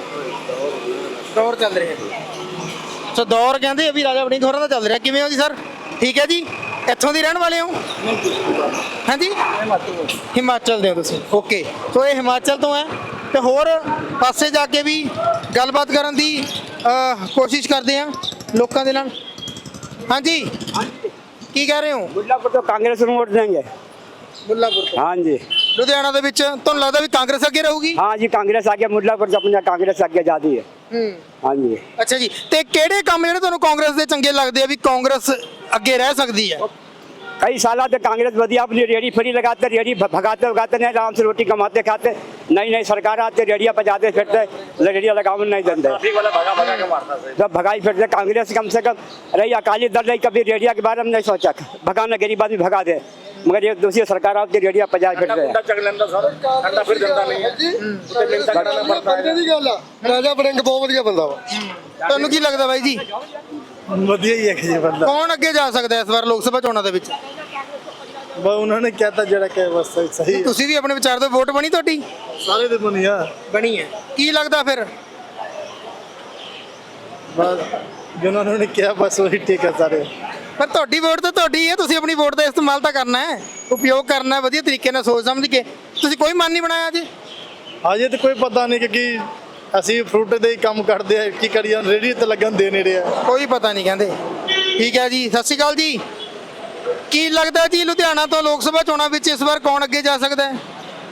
S3: ਦੌਰ ਚੱਲ ਰਿਹਾ? ਸੋ ਦੌਰ ਕਹਿੰਦੇ ਆ ਵੀ ਰਾਜਾ ਵੜਿੰਗ ਹੋਰਾਂ ਦਾ ਚੱਲ ਰਿਹਾ। ਕਿਵੇਂ ਹੋ ਜੀ ਸਰ? ਠੀਕ ਹੈ ਜੀ। ਇੱਥੋਂ ਦੀ ਰਹਿਣ ਵਾਲੇ ਹੋ? ਹਾਂਜੀ, ਹਿਮਾਚਲ ਦੇ ਹੋ ਤੁਸੀਂ? ਓਕੇ। ਸੋ ਇਹ ਹਿਮਾਚਲ ਤੋਂ ਹੈ, ਤੇ ਹੋਰ ਪਾਸੇ ਜਾ ਕੇ ਵੀ ਗੱਲਬਾਤ ਕਰਨ ਦੀ ਕੋਸ਼ਿਸ਼ ਕਰਦੇ ਆ ਲੋਕਾਂ ਦੇ ਨਾਲ। ਹਾਂਜੀ, ਕੀ ਕਹਿ ਰਹੇ ਹੋ?
S9: मुल्लापुर तो कांग्रेस ਨੂੰ वोट देंगे।
S3: ਮੁੱਲਾਪੁਰ ਤੋਂ?
S9: हाँ जी।
S3: ਲੁਧਿਆਣਾ ਦੇ ਵਿੱਚ ਤੁਹਾਨੂੰ ਲੱਗਦਾ ਵੀ ਕਾਂਗਰਸ ਅੱਗੇ ਰਹੂਗੀ?
S9: हाँ जी, कांग्रेस आगे, मुल्लापुर से अपना कांग्रेस आगे जाती है। हाँ जी।
S3: ਅੱਛਾ ਜੀ। ਤੇ ਕਿਹੜੇ ਕੰਮ ਜਿਹੜੇ ਤੁਹਾਨੂੰ ਕਾਂਗਰਸ ਦੇ ਚੰਗੇ ਲੱਗਦੇ ਆ ਵੀ ਕਾਂਗਰਸ ਅੱਗੇ ਰਹਿ ਸਕਦੀ ਹੈ?
S9: कई साल से कांग्रेस बढ़िया अपनी रेडी फ्री लगाते, रेडी भगाते भगाते नहीं, आराम से रोटी कमाते खाते। नई नई सरकार आती रेडिया बजाते फिरते रेडिया लगावन नहीं देते जब भगाई फिरते कांग्रेस कम से कम रही अकाली दल रही कभी रेडिया के बारे में नहीं सोचा भगाना गरीब आदमी भगा दे मगर एक दूसरी सरकार आती रेडिया बजा फिरते
S5: ਬੰਦੇ ਦੀ ਗੱਲ ਆ ਰਾਜਾ ਵੜਿੰਗ ਬਹੁਤ ਵਧੀਆ ਬੰਦਾ ਵਾ
S3: ਤੁਹਾਨੂੰ ਕੀ ਲੱਗਦਾ ਬਾਈ ਜੀ
S1: ਵਧੀਆ ਹੀ ਹੈ ਜੀ ਬੰਦਾ
S3: ਕੌਣ ਅੱਗੇ ਜਾ ਸਕਦਾ ਇਸ ਵਾਰ ਲੋਕ ਸਭਾ ਚੋਣਾਂ ਦੇ ਵਿੱਚ
S1: ਬਸ ਉਹਨਾਂ ਨੇ ਕਹਿਤਾ ਜਿਹੜਾ ਕਿ ਬਸ ਸਹੀ
S3: ਤੁਸੀਂ ਵੀ ਆਪਣੇ ਵਿਚਾਰ ਤੋਂ ਵੋਟ ਬਣੀ ਤੁਹਾਡੀ
S1: ਸਾਰੇ ਦੇ ਬਣਿਆ
S3: ਬਣੀ ਹੈ ਕੀ ਲੱਗਦਾ ਫਿਰ
S1: ਬਸ ਜਿਨ੍ਹਾਂ ਨੇ ਕਿਹਾ ਬਸ ਉਹੀ ਠੀਕ ਹੈ ਸਾਰੇ
S3: ਪਰ ਤੁਹਾਡੀ ਵੋਟ ਤਾਂ ਤੁਹਾਡੀ ਹੈ ਤੁਸੀਂ ਆਪਣੀ ਵੋਟ ਦਾ ਇਸਤੇਮਾਲ ਤਾਂ ਕਰਨਾ ਹੈ ਉਪਯੋਗ ਕਰਨਾ ਹੈ ਵਧੀਆ ਤਰੀਕੇ ਨਾਲ ਸੋਚ ਸਮਝ ਕੇ ਤੁਸੀਂ ਕੋਈ ਮਨ ਨਹੀਂ ਬਣਾਇਆ ਜੀ
S1: ਅਜੇ ਤਾਂ ਕੋਈ ਪਤਾ ਨਹੀਂ ਕਿ ਅਸੀਂ ਫਰੂਟ ਦੇ ਹੀ ਕੰਮ ਕਰਦੇ ਆ ਕੀ ਕਰੀਏ ਰੇੜੀ ਤੇ ਲੱਗਣ ਦੇ ਨੇੜੇ ਆ
S3: ਕੋਈ ਪਤਾ ਨਹੀਂ ਕਹਿੰਦੇ ਠੀਕ ਹੈ ਜੀ ਸਤਿ ਸ਼੍ਰੀ ਅਕਾਲ ਜੀ ਕੀ ਲੱਗਦਾ ਜੀ ਲੁਧਿਆਣਾ ਤੋਂ ਲੋਕ ਸਭਾ ਚੋਣਾਂ ਵਿੱਚ ਇਸ ਵਾਰ ਕੌਣ ਅੱਗੇ ਜਾ ਸਕਦਾ ਹੈ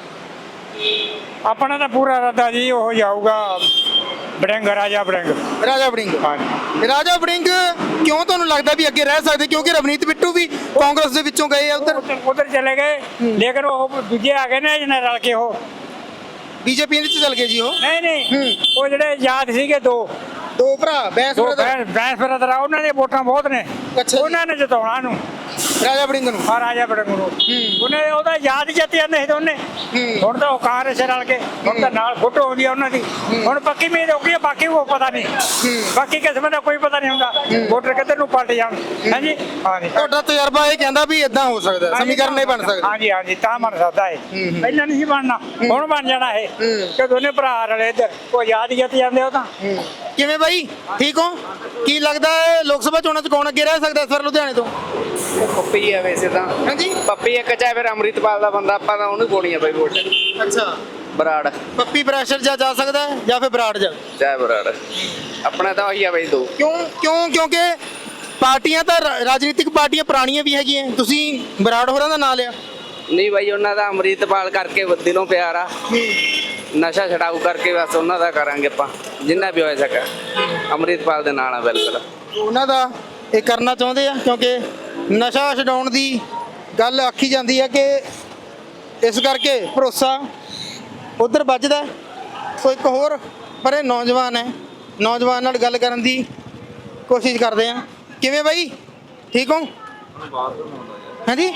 S10: ਆਪਣਾ ਤਾਂ ਪੂਰਾ ਇਰਾਦਾ ਜੀ ਉਹ ਜਾਊਗਾ ਬੜਿੰਗ ਰਾਜਾ ਬੜਿੰਗ
S3: ਰਾਜਾ ਵੜਿੰਗ ਰਾਜਾ ਵੜਿੰਗ ਕਿਉਂ ਤੁਹਾਨੂੰ ਲੱਗਦਾ ਵੀ ਅੱਗੇ ਰਹਿ ਸਕਦੇ ਕਿਉਂਕਿ ਰਵਨੀਤ ਬਿੱਟੂ ਵੀ ਕਾਂਗਰਸ ਦੇ ਵਿੱਚੋਂ ਗਏ ਆ
S10: ਉਧਰ ਚਲੇ ਗਏ ਲੇਕਿਨ ਉਹ ਦੂਜੇ ਆ ਗਏ ਨੇ ਜਿਹਨੇ ਰਲ ਕੇ ਉਹ
S3: ਬੀਜੇਪੀ ਵਿੱਚ ਚਲ ਗਏ ਜੀ ਉਹ
S10: ਨਹੀਂ ਉਹ ਜਿਹੜੇ ਯਾਦ ਸੀਗੇ ਦੋ
S3: ਭਰਾ ਬੈਂਸ
S10: ਦੋ
S3: brother,
S10: ਬੈਂਸ ਬਰਦਰ ਉਹਨਾਂ ਦੀਆਂ ਵੋਟਾਂ ਬਹੁਤ ਨੇ
S3: ਅੱਛਾ ਜੀ।
S10: ਉਹਨਾਂ ਨੇ ਜਿਤਾਉਣਾ ਨੂੰ
S3: ਰਾਜਾ ਵੜਿੰਗ ਨੂੰ
S10: ਆ ਰਾਜਾ ਬੜਿੰਗ ਨੂੰ ਉਹਨੇ ਉਹਦਾ ਯਾਦ ਜਿੱਤ ਜਾਂਦੇ ਸੀ ਦੋਨੇ ਹੁਣ ਤਾਂ ਉਹ ਕਾਂਗਰਸ ਰਲ ਕੇ ਹੁਣ ਤਾਂ ਨਾਲ ਫੋਟੋ ਆਉਂਦੀ ਆ ਉਹਨਾਂ ਦੀ ਹੁਣ ਪੱਕੀ ਉਮੀਦ ਹੋ ਗਈ ਆ, ਬਾਕੀ ਉਹ ਪਤਾ ਨਹੀਂ ਬਾਕੀ ਕਿਸਮ ਦਾ ਕੋਈ ਪਤਾ ਨਹੀਂ ਹੁੰਦਾ ਵੋਟਰ ਕਿੱਧਰ ਨੂੰ ਪਲਟ ਜਾਣ ਹਾਂਜੀ ਹਾਂਜੀ
S3: ਤੁਹਾਡਾ ਤਜਰਬਾ ਇਹ ਕਹਿੰਦਾ ਵੀ ਇਦਾਂ ਹੋ ਸਕਦਾ ਸਮੀਕਰਨ ਨਹੀਂ ਬਣ ਸਕਦਾ
S10: ਹਾਂਜੀ ਹਾਂਜੀ ਤਾਂ ਬਣ ਸਕਦਾ ਹੈ ਪਹਿਲਾਂ ਨਹੀਂ ਸੀ ਬਣਨਾ ਹੁਣ ਬਣ ਜਾਣਾ ਇਹ ਕਿ ਦੋਨੇ ਭਰਾ ਰਲੇ ਇੱਧਰ ਉਹ ਯਾਦ ਜਿੱਤ ਜਾਂਦੇ ਉਹ ਤਾਂ
S3: ਕਿਵੇਂ ਬਾਈ ਠੀਕ ਹੋ ਕੀ ਲੱਗਦਾ ਹੈ ਲੋਕ ਸਭਾ ਚੋਣਾਂ 'ਚ ਕੌਣ ਅੱਗੇ ਰਹਿ ਸਕਦਾ ਇਸ ਵਾਰ ਲੁਧਿਆਣੇ ਤੋਂ
S4: ਪੱਪੀ ਆ ਵੈਸੇ ਤਾਂ
S3: ਹਾਂਜੀ
S4: ਪੱਪੀ ਇੱਕ ਚਾਹੇ ਫਿਰ ਅੰਮ੍ਰਿਤਪਾਲ ਦਾ ਬੰਦਾ ਆਪਾਂ ਤਾਂ ਉਹਨੂੰ ਪਾਉਣੀ ਆ ਬਈ ਵੋਟ
S3: ਅੱਛਾ
S4: ਬਰਾੜ
S3: ਪੱਪੀ ਪ੍ਰੈਸ਼ਰ ਜਾ ਸਕਦਾ ਹੈ ਜਾਂ ਫਿਰ ਬਰਾੜ ਜਾ
S4: ਚਾਹੇ ਬਰਾੜ ਆਪਣਾ ਤਾਂ ਉਹੀ ਆ ਬਈ ਦੋ
S3: ਕਿਉਂਕਿ ਪਾਰਟੀਆਂ ਤਾਂ ਰਾਜਨੀਤਿਕ ਪਾਰਟੀਆਂ ਪੁਰਾਣੀਆਂ ਵੀ ਹੈਗੀਆਂ ਤੁਸੀਂ ਬਰਾੜ ਹੋਰਾਂ ਦਾ ਨਾਂ ਲਿਆ
S4: ਨਹੀਂ ਬਾਈ ਉਹਨਾਂ ਦਾ ਅੰਮ੍ਰਿਤਪਾਲ ਕਰਕੇ ਦਿਲੋਂ ਪਿਆਰ ਆ ਨਸ਼ਾ ਛਡਾਊ ਕਰਕੇ ਬਸ ਉਹਨਾਂ ਦਾ ਕਰਾਂਗੇ ਆਪਾਂ ਜਿੰਨਾ ਵੀ ਹੋ ਸਕੇ ਅੰਮ੍ਰਿਤਪਾਲ ਦੇ ਨਾਲ ਆ ਬਿਲਕੁਲ
S3: ਉਹਨਾਂ ਦਾ ਇਹ ਕਰਨਾ ਚਾਹੁੰਦੇ ਆ ਕਿਉਂਕਿ ਨਸ਼ਾ ਛਡਾਉਣ ਦੀ ਗੱਲ ਆਖੀ ਜਾਂਦੀ ਹੈ ਕਿ ਇਸ ਕਰਕੇ ਭਰੋਸਾ ਉਧਰ ਵੱਜਦਾ ਸੋ ਇੱਕ ਹੋਰ ਪਰ ਇਹ ਨੌਜਵਾਨ ਹੈ ਨੌਜਵਾਨ ਨਾਲ ਗੱਲ ਕਰਨ ਦੀ ਕੋਸ਼ਿਸ਼ ਕਰਦੇ ਆ ਕਿਵੇਂ ਬਾਈ ਠੀਕ ਹੋ ਹਾਂਜੀ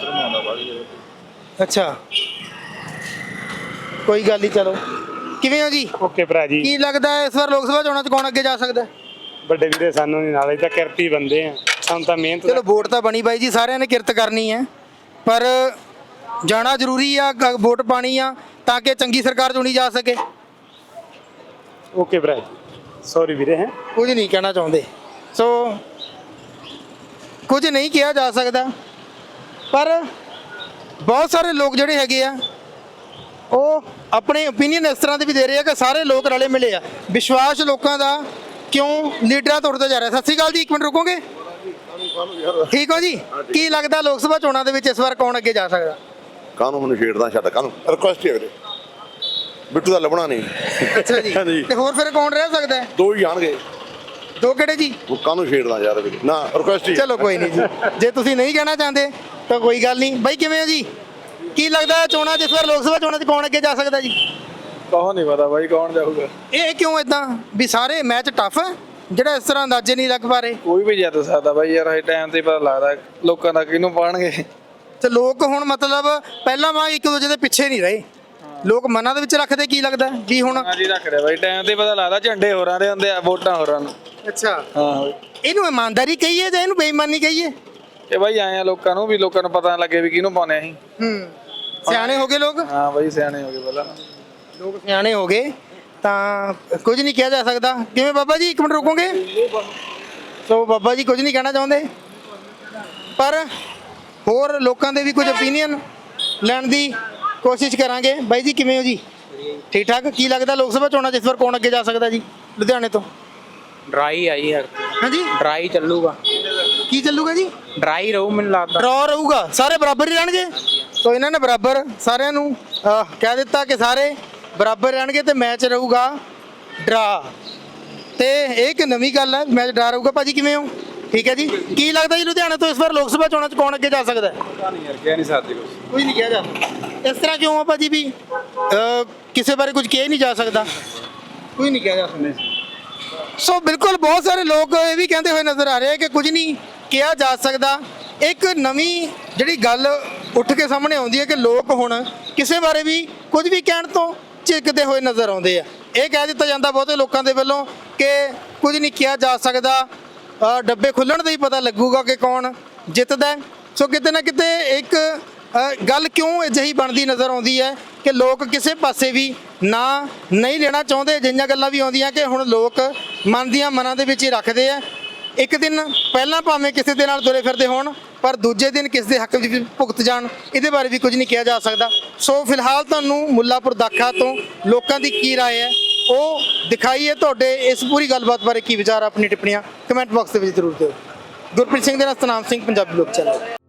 S3: ਅੱਛਾ ਕੋਈ ਗੱਲ ਨਹੀਂ ਚਲੋ ਕਿਵੇਂ ਹੋ ਜੀ
S10: ਓਕੇ ਭਰਾ ਜੀ
S3: ਕੀ ਲੱਗਦਾ ਹੈ ਇਸ ਵਾਰ ਲੋਕ ਸਭਾ ਚੋਣਾਂ 'ਚ ਕੌਣ ਅੱਗੇ ਜਾ ਸਕਦਾ ਹੈ?
S10: ਵੱਡੇ ਵੀਰੇ ਸਾਨੂੰ ਨਹੀਂ ਨਾਲ ਤਾਂ ਕਿਰਤੀ ਬੰਦੇ ਆ ਸਾਨੂੰ ਤਾਂ ਮਿਹਨਤ
S3: ਚਲੋ ਵੋਟ ਤਾਂ ਬਣੀ ਬਾਈ ਜੀ ਸਾਰਿਆਂ ਨੇ ਕਿਰਤ ਕਰਨੀ ਹੈ ਪਰ ਜਾਣਾ ਜ਼ਰੂਰੀ ਆ ਵੋਟ ਪਾਣੀ ਆ ਤਾਂ ਕਿ ਚੰਗੀ ਸਰਕਾਰ ਚੁਣੀ ਜਾ ਸਕੇ
S10: ਓਕੇ ਭਰਾ ਜੀ ਸੌਰੀ ਵੀਰੇ ਹੈ
S3: ਕੁਝ ਨਹੀਂ ਕਹਿਣਾ ਚਾਹੁੰਦੇ ਸੋ ਕੁਝ ਨਹੀਂ ਕਿਹਾ ਜਾ ਸਕਦਾ ਪਰ ਬਹੁਤ ਸਾਰੇ ਲੋਕ ਜਿਹੜੇ ਹੈਗੇ ਆ ਉਹ ਆਪਣੇ ਓਪੀਨੀਅਨ ਇਸ ਤਰ੍ਹਾਂ ਦੇ ਵੀ ਦੇ ਰਹੇ ਆ ਕਿ ਸਾਰੇ ਲੋਕ ਰਲੇ ਮਿਲੇ ਆ ਵਿਸ਼ਵਾਸ ਲੋਕਾਂ ਦਾ ਕਿਉਂ ਲੀਡਰਾਂ ਤੋਂ ਉੱਠਦਾ ਜਾ ਰਿਹਾ ਸਤਿ ਸ਼੍ਰੀ ਅਕਾਲ ਜੀ ਇੱਕ ਮਿੰਟ ਰੁਕੋਗੇ ਠੀਕ ਹੋ ਜੀ ਕੀ ਲੱਗਦਾ ਲੋਕ ਸਭਾ ਚੋਣਾਂ ਦੇ ਵਿੱਚ ਇਸ ਵਾਰ ਕੌਣ ਅੱਗੇ ਜਾ ਸਕਦਾ
S11: ਕਾਹਨੂੰ ਮੈਨੂੰ ਛੇੜਦਾ ਛੱਡ ਕਾਹਨੂੰ ਰਿਕੁਐਸਟ ਹੈ ਵੀਰੇ ਬਿੱਟੂ ਦਾ ਲੱਭਣਾ ਨਹੀਂ
S3: ਅੱਛਾ ਜੀ
S11: ਹਾਂਜੀ।
S3: ਤੇ ਹੋਰ ਫਿਰ ਕੌਣ ਰਹਿ ਸਕਦਾ ਹੈ?
S11: ਦੋ ਹੀ ਜਾਣਗੇ
S3: ਦੋ ਕਿਹੜੇ ਜੀ
S11: ਉਹ ਕਾਹਨੂੰ ਛੇੜਦਾ ਯਾਰ ਵੀਰੇ ਨਾ ਰਿਕੁਐਸਟ ਹੀ
S3: ਚਲੋ ਕੋਈ ਨਹੀਂ ਜੀ ਜੇ ਤੁਸੀਂ ਨਹੀਂ ਕਹਿਣਾ ਚਾਹੁੰਦੇ ਤਾਂ ਕੋਈ ਗੱਲ ਨਹੀਂ ਬਾਈ ਕਿਵੇਂ ਹੋ ਜੀ ਕੀ ਲੱਗਦਾ ਹੈ ਚੋਣਾਂ ਜਿਸ ਵਾਰ ਲੋਕ ਸਭਾ ਚੋਣਾਂ 'ਚ ਕੌਣ ਅੱਗੇ ਜਾ ਸਕਦਾ ਜੀ
S8: ਕੌਣ ਨਹੀਂ ਪਤਾ ਬਾਈ ਕੌਣ ਜਾਊਗਾ
S3: ਇਹ ਕਿਉਂ ਇਦਾਂ ਵੀ ਸਾਰੇ ਮੈਚ ਟਫ ਹੈ ਜਿਹੜਾ ਇਸ ਤਰ੍ਹਾਂ ਅੰਦਾਜ਼ੇ ਨਹੀਂ ਲੱਗ ਪਾ ਰਹੇ
S8: ਕੋਈ ਵੀ ਜਿੱਤ ਸਕਦਾ ਬਾਈ ਯਾਰ ਇਹ ਟਾਈਮ ਤੇ ਪਤਾ ਲੱਗਦਾ ਲੋਕਾਂ ਦਾ ਕਿਹਨੂੰ ਪਾਣਗੇ
S3: ਤੇ ਲੋਕ ਹੁਣ ਮਤਲਬ ਪਹਿਲਾਂ ਵਾਂਗ ਇੱਕ ਦੂਜੇ ਦੇ ਪਿੱਛੇ ਨਹੀਂ ਰਹੇ ਲੋਕ ਮਨਾਂ ਦੇ ਵਿੱਚ ਰੱਖਦੇ ਕੀ ਲੱਗਦਾ ਵੀ ਹੁਣ
S8: ਹਾਂਜੀ ਰੱਖ ਰਿਹਾ ਬਾਈ ਟਾਈਮ ਤੇ ਪਤਾ ਲੱਗਦਾ ਝੰਡੇ ਹੋਰਾਂ ਦੇ ਹੁੰਦੇ ਆ ਵੋਟਾਂ ਹੋਰਾਂ ਨੂੰ
S3: ਅੱਛਾ
S8: ਹਾਂ
S3: ਇਹਨੂੰ ਇਮਾਨਦਾਰੀ ਕਹੀਏ ਜਾਂ ਇਹਨੂੰ ਬੇਈਮਾਨੀ ਕਹੀਏ
S8: ਇਹ ਬਾਈ ਆਏ ਆ ਲੋਕਾਂ ਨੂੰ ਵੀ ਲੋਕਾਂ ਨੂੰ ਪਤਾ ਲੱਗੇ ਵੀ ਕਿਹਨੂੰ ਪਾਉਣੇ ਅਸੀਂ
S3: ਸਿਆਣੇ ਹੋ ਗਏ ਲੋਕ
S8: ਹਾਂ ਬਾਈ ਸਿਆਣੇ ਹੋ ਗਏ ਪਹਿਲਾਂ
S3: ਲੋਕ ਸਿਆਣੇ ਹੋ ਗਏ ਤਾਂ ਕੁਝ ਨਹੀਂ ਕਿਹਾ ਜਾ ਸਕਦਾ ਕਿਵੇਂ ਬਾਬਾ ਜੀ ਇੱਕ ਮਿੰਟ ਰੁਕੋਗੇ ਸੋ ਬਾਬਾ ਜੀ ਕੁਝ ਨਹੀਂ ਕਹਿਣਾ ਚਾਹੁੰਦੇ ਪਰ ਹੋਰ ਲੋਕਾਂ ਦੇ ਵੀ ਕੁਝ ਓਪੀਨੀਅਨ ਲੈਣ ਦੀ ਕੋਸ਼ਿਸ਼ ਕਰਾਂਗੇ ਬਾਈ ਜੀ ਕਿਵੇਂ ਹੋ ਜੀ ਠੀਕ ਠਾਕ ਕੀ ਲੱਗਦਾ ਲੋਕ ਸਭਾ ਚੋਣਾਂ 'ਚ ਇਸ ਵਾਰ ਕੌਣ ਅੱਗੇ ਜਾ ਸਕਦਾ ਜੀ ਲੁਧਿਆਣੇ ਤੋਂ
S4: ਡਰਾਈ ਆਈ ਯਾਰ
S3: ਹਾਂਜੀ
S4: ਡਰਾਈ ਚੱਲੂਗਾ
S3: ਕੀ ਚੱਲੂਗਾ ਜੀ
S4: ਡਰਾਈ ਰਹੂ ਮੈਨੂੰ ਲੱਗਦਾ
S3: ਡਰਾ ਰਹੂਗਾ ਸਾਰੇ ਬਰਾਬਰ ਹੀ ਰਹਿਣਗੇ ਸੋ ਇਹਨਾਂ ਨੇ ਬਰਾਬਰ ਸਾਰਿਆਂ ਨੂੰ ਕਹਿ ਦਿੱਤਾ ਕਿ ਸਾਰੇ ਬਰਾਬਰ ਰਹਿਣਗੇ ਤੇ ਮੈਚ ਰਹੂਗਾ ਡਰਾ ਤੇ ਇਹ ਇੱਕ ਨਵੀਂ ਗੱਲ ਹੈ ਮੈਚ ਡਰਾ ਰਹੂਗਾ ਭਾਜੀ ਕਿਵੇਂ ਹੋ ਠੀਕ ਹੈ ਜੀ ਕੀ ਲੱਗਦਾ ਜੀ ਲੁਧਿਆਣੇ ਤੋਂ ਇਸ ਵਾਰ ਲੋਕ ਸਭਾ ਚੋਣਾਂ 'ਚ ਕੌਣ ਅੱਗੇ ਜਾ ਸਕਦਾ
S8: ਨਹੀਂ ਯਾਰ ਕਹਿ ਨਹੀਂ ਸਕਦੇ ਕੁਝ
S3: ਕੋਈ ਨਹੀਂ ਕਿਹਾ ਜਾ ਇਸ ਤਰ੍ਹਾਂ ਕਿਉਂ ਆ ਭਾਜੀ ਵੀ ਕਿਸੇ ਬਾਰੇ ਕੁਝ ਕਿਹਾ ਹੀ ਨਹੀਂ ਜਾ ਸਕਦਾ, ਕੋਈ ਨਹੀਂ ਕਿਹਾ ਜਾ ਸਕਦਾ। ਸੋ ਬਿਲਕੁਲ ਬਹੁਤ ਸਾਰੇ ਲੋਕ ਇਹ ਵੀ ਕਹਿੰਦੇ ਹੋਏ ਨਜ਼ਰ ਆ ਰਹੇ ਕਿ ਕੁਝ ਨਹੀਂ ਕਿਹਾ ਜਾ ਸਕਦਾ। ਇੱਕ ਨਵੀਂ ਜਿਹੜੀ ਗੱਲ ਉੱਠ ਕੇ ਸਾਹਮਣੇ ਆਉਂਦੀ ਹੈ ਕਿ ਲੋਕ ਹੁਣ ਕਿਸੇ ਬਾਰੇ ਵੀ ਕੁਝ ਵੀ ਕਹਿਣ ਤੋਂ ਝਿਜਕਦੇ ਹੋਏ ਨਜ਼ਰ ਆਉਂਦੇ ਆ। ਇਹ ਕਹਿ ਦਿੱਤਾ ਜਾਂਦਾ ਬਹੁਤੇ ਲੋਕਾਂ ਦੇ ਵੱਲੋਂ ਕਿ ਕੁਝ ਨਹੀਂ ਕਿਹਾ ਜਾ ਸਕਦਾ, ਡੱਬੇ ਖੁੱਲਣ ਦਾ ਹੀ ਪਤਾ ਲੱਗੂਗਾ ਕਿ ਕੌਣ ਜਿੱਤਦਾ। ਸੋ ਕਿਤੇ ਨਾ ਕਿਤੇ ਇੱਕ ਗੱਲ ਕਿਉਂ ਅਜਿਹੀ ਬਣਦੀ ਨਜ਼ਰ ਆਉਂਦੀ ਹੈ ਕਿ ਲੋਕ ਕਿਸੇ ਪਾਸੇ ਵੀ ਨਾ ਨਹੀਂ ਲੈਣਾ ਚਾਹੁੰਦੇ। ਜਿਹੀਆਂ ਗੱਲਾਂ ਵੀ ਆਉਂਦੀਆਂ ਕਿ ਹੁਣ ਲੋਕ ਮਨ ਦੀਆਂ ਮਨਾਂ ਦੇ ਵਿੱਚ ਹੀ ਰੱਖਦੇ ਆ। ਇੱਕ ਦਿਨ ਪਹਿਲਾਂ ਭਾਵੇਂ ਕਿਸੇ ਦੇ ਨਾਲ ਤੁਰੇ ਫਿਰਦੇ ਹੋਣ, ਪਰ ਦੂਜੇ ਦਿਨ ਕਿਸ ਦੇ ਹੱਕ ਵਿੱਚ ਭੁਗਤ ਜਾਣ, ਇਹਦੇ ਬਾਰੇ ਵੀ ਕੁਝ ਨਹੀਂ ਕਿਹਾ ਜਾ ਸਕਦਾ। ਸੋ ਫਿਲਹਾਲ ਤੁਹਾਨੂੰ ਮੁੱਲਾਪੁਰ ਦਾਖਾ ਤੋਂ ਲੋਕਾਂ ਦੀ ਕੀ ਰਾਏ ਹੈ ਉਹ ਦਿਖਾਈਏ। ਤੁਹਾਡੇ ਇਸ ਪੂਰੀ ਗੱਲਬਾਤ ਬਾਰੇ ਕੀ ਵਿਚਾਰ, ਆਪਣੀ ਟਿੱਪਣੀਆਂ ਕਮੈਂਟ ਬਾਕਸ ਦੇ ਵਿੱਚ ਜ਼ਰੂਰ ਦਿਓ। ਗੁਰਪ੍ਰੀਤ ਸਿੰਘ ਦੇ ਨਾਲ ਸਤਨਾਮ ਸਿੰਘ, ਪੰਜਾਬੀ ਲੋਕ ਚੈਨਲ।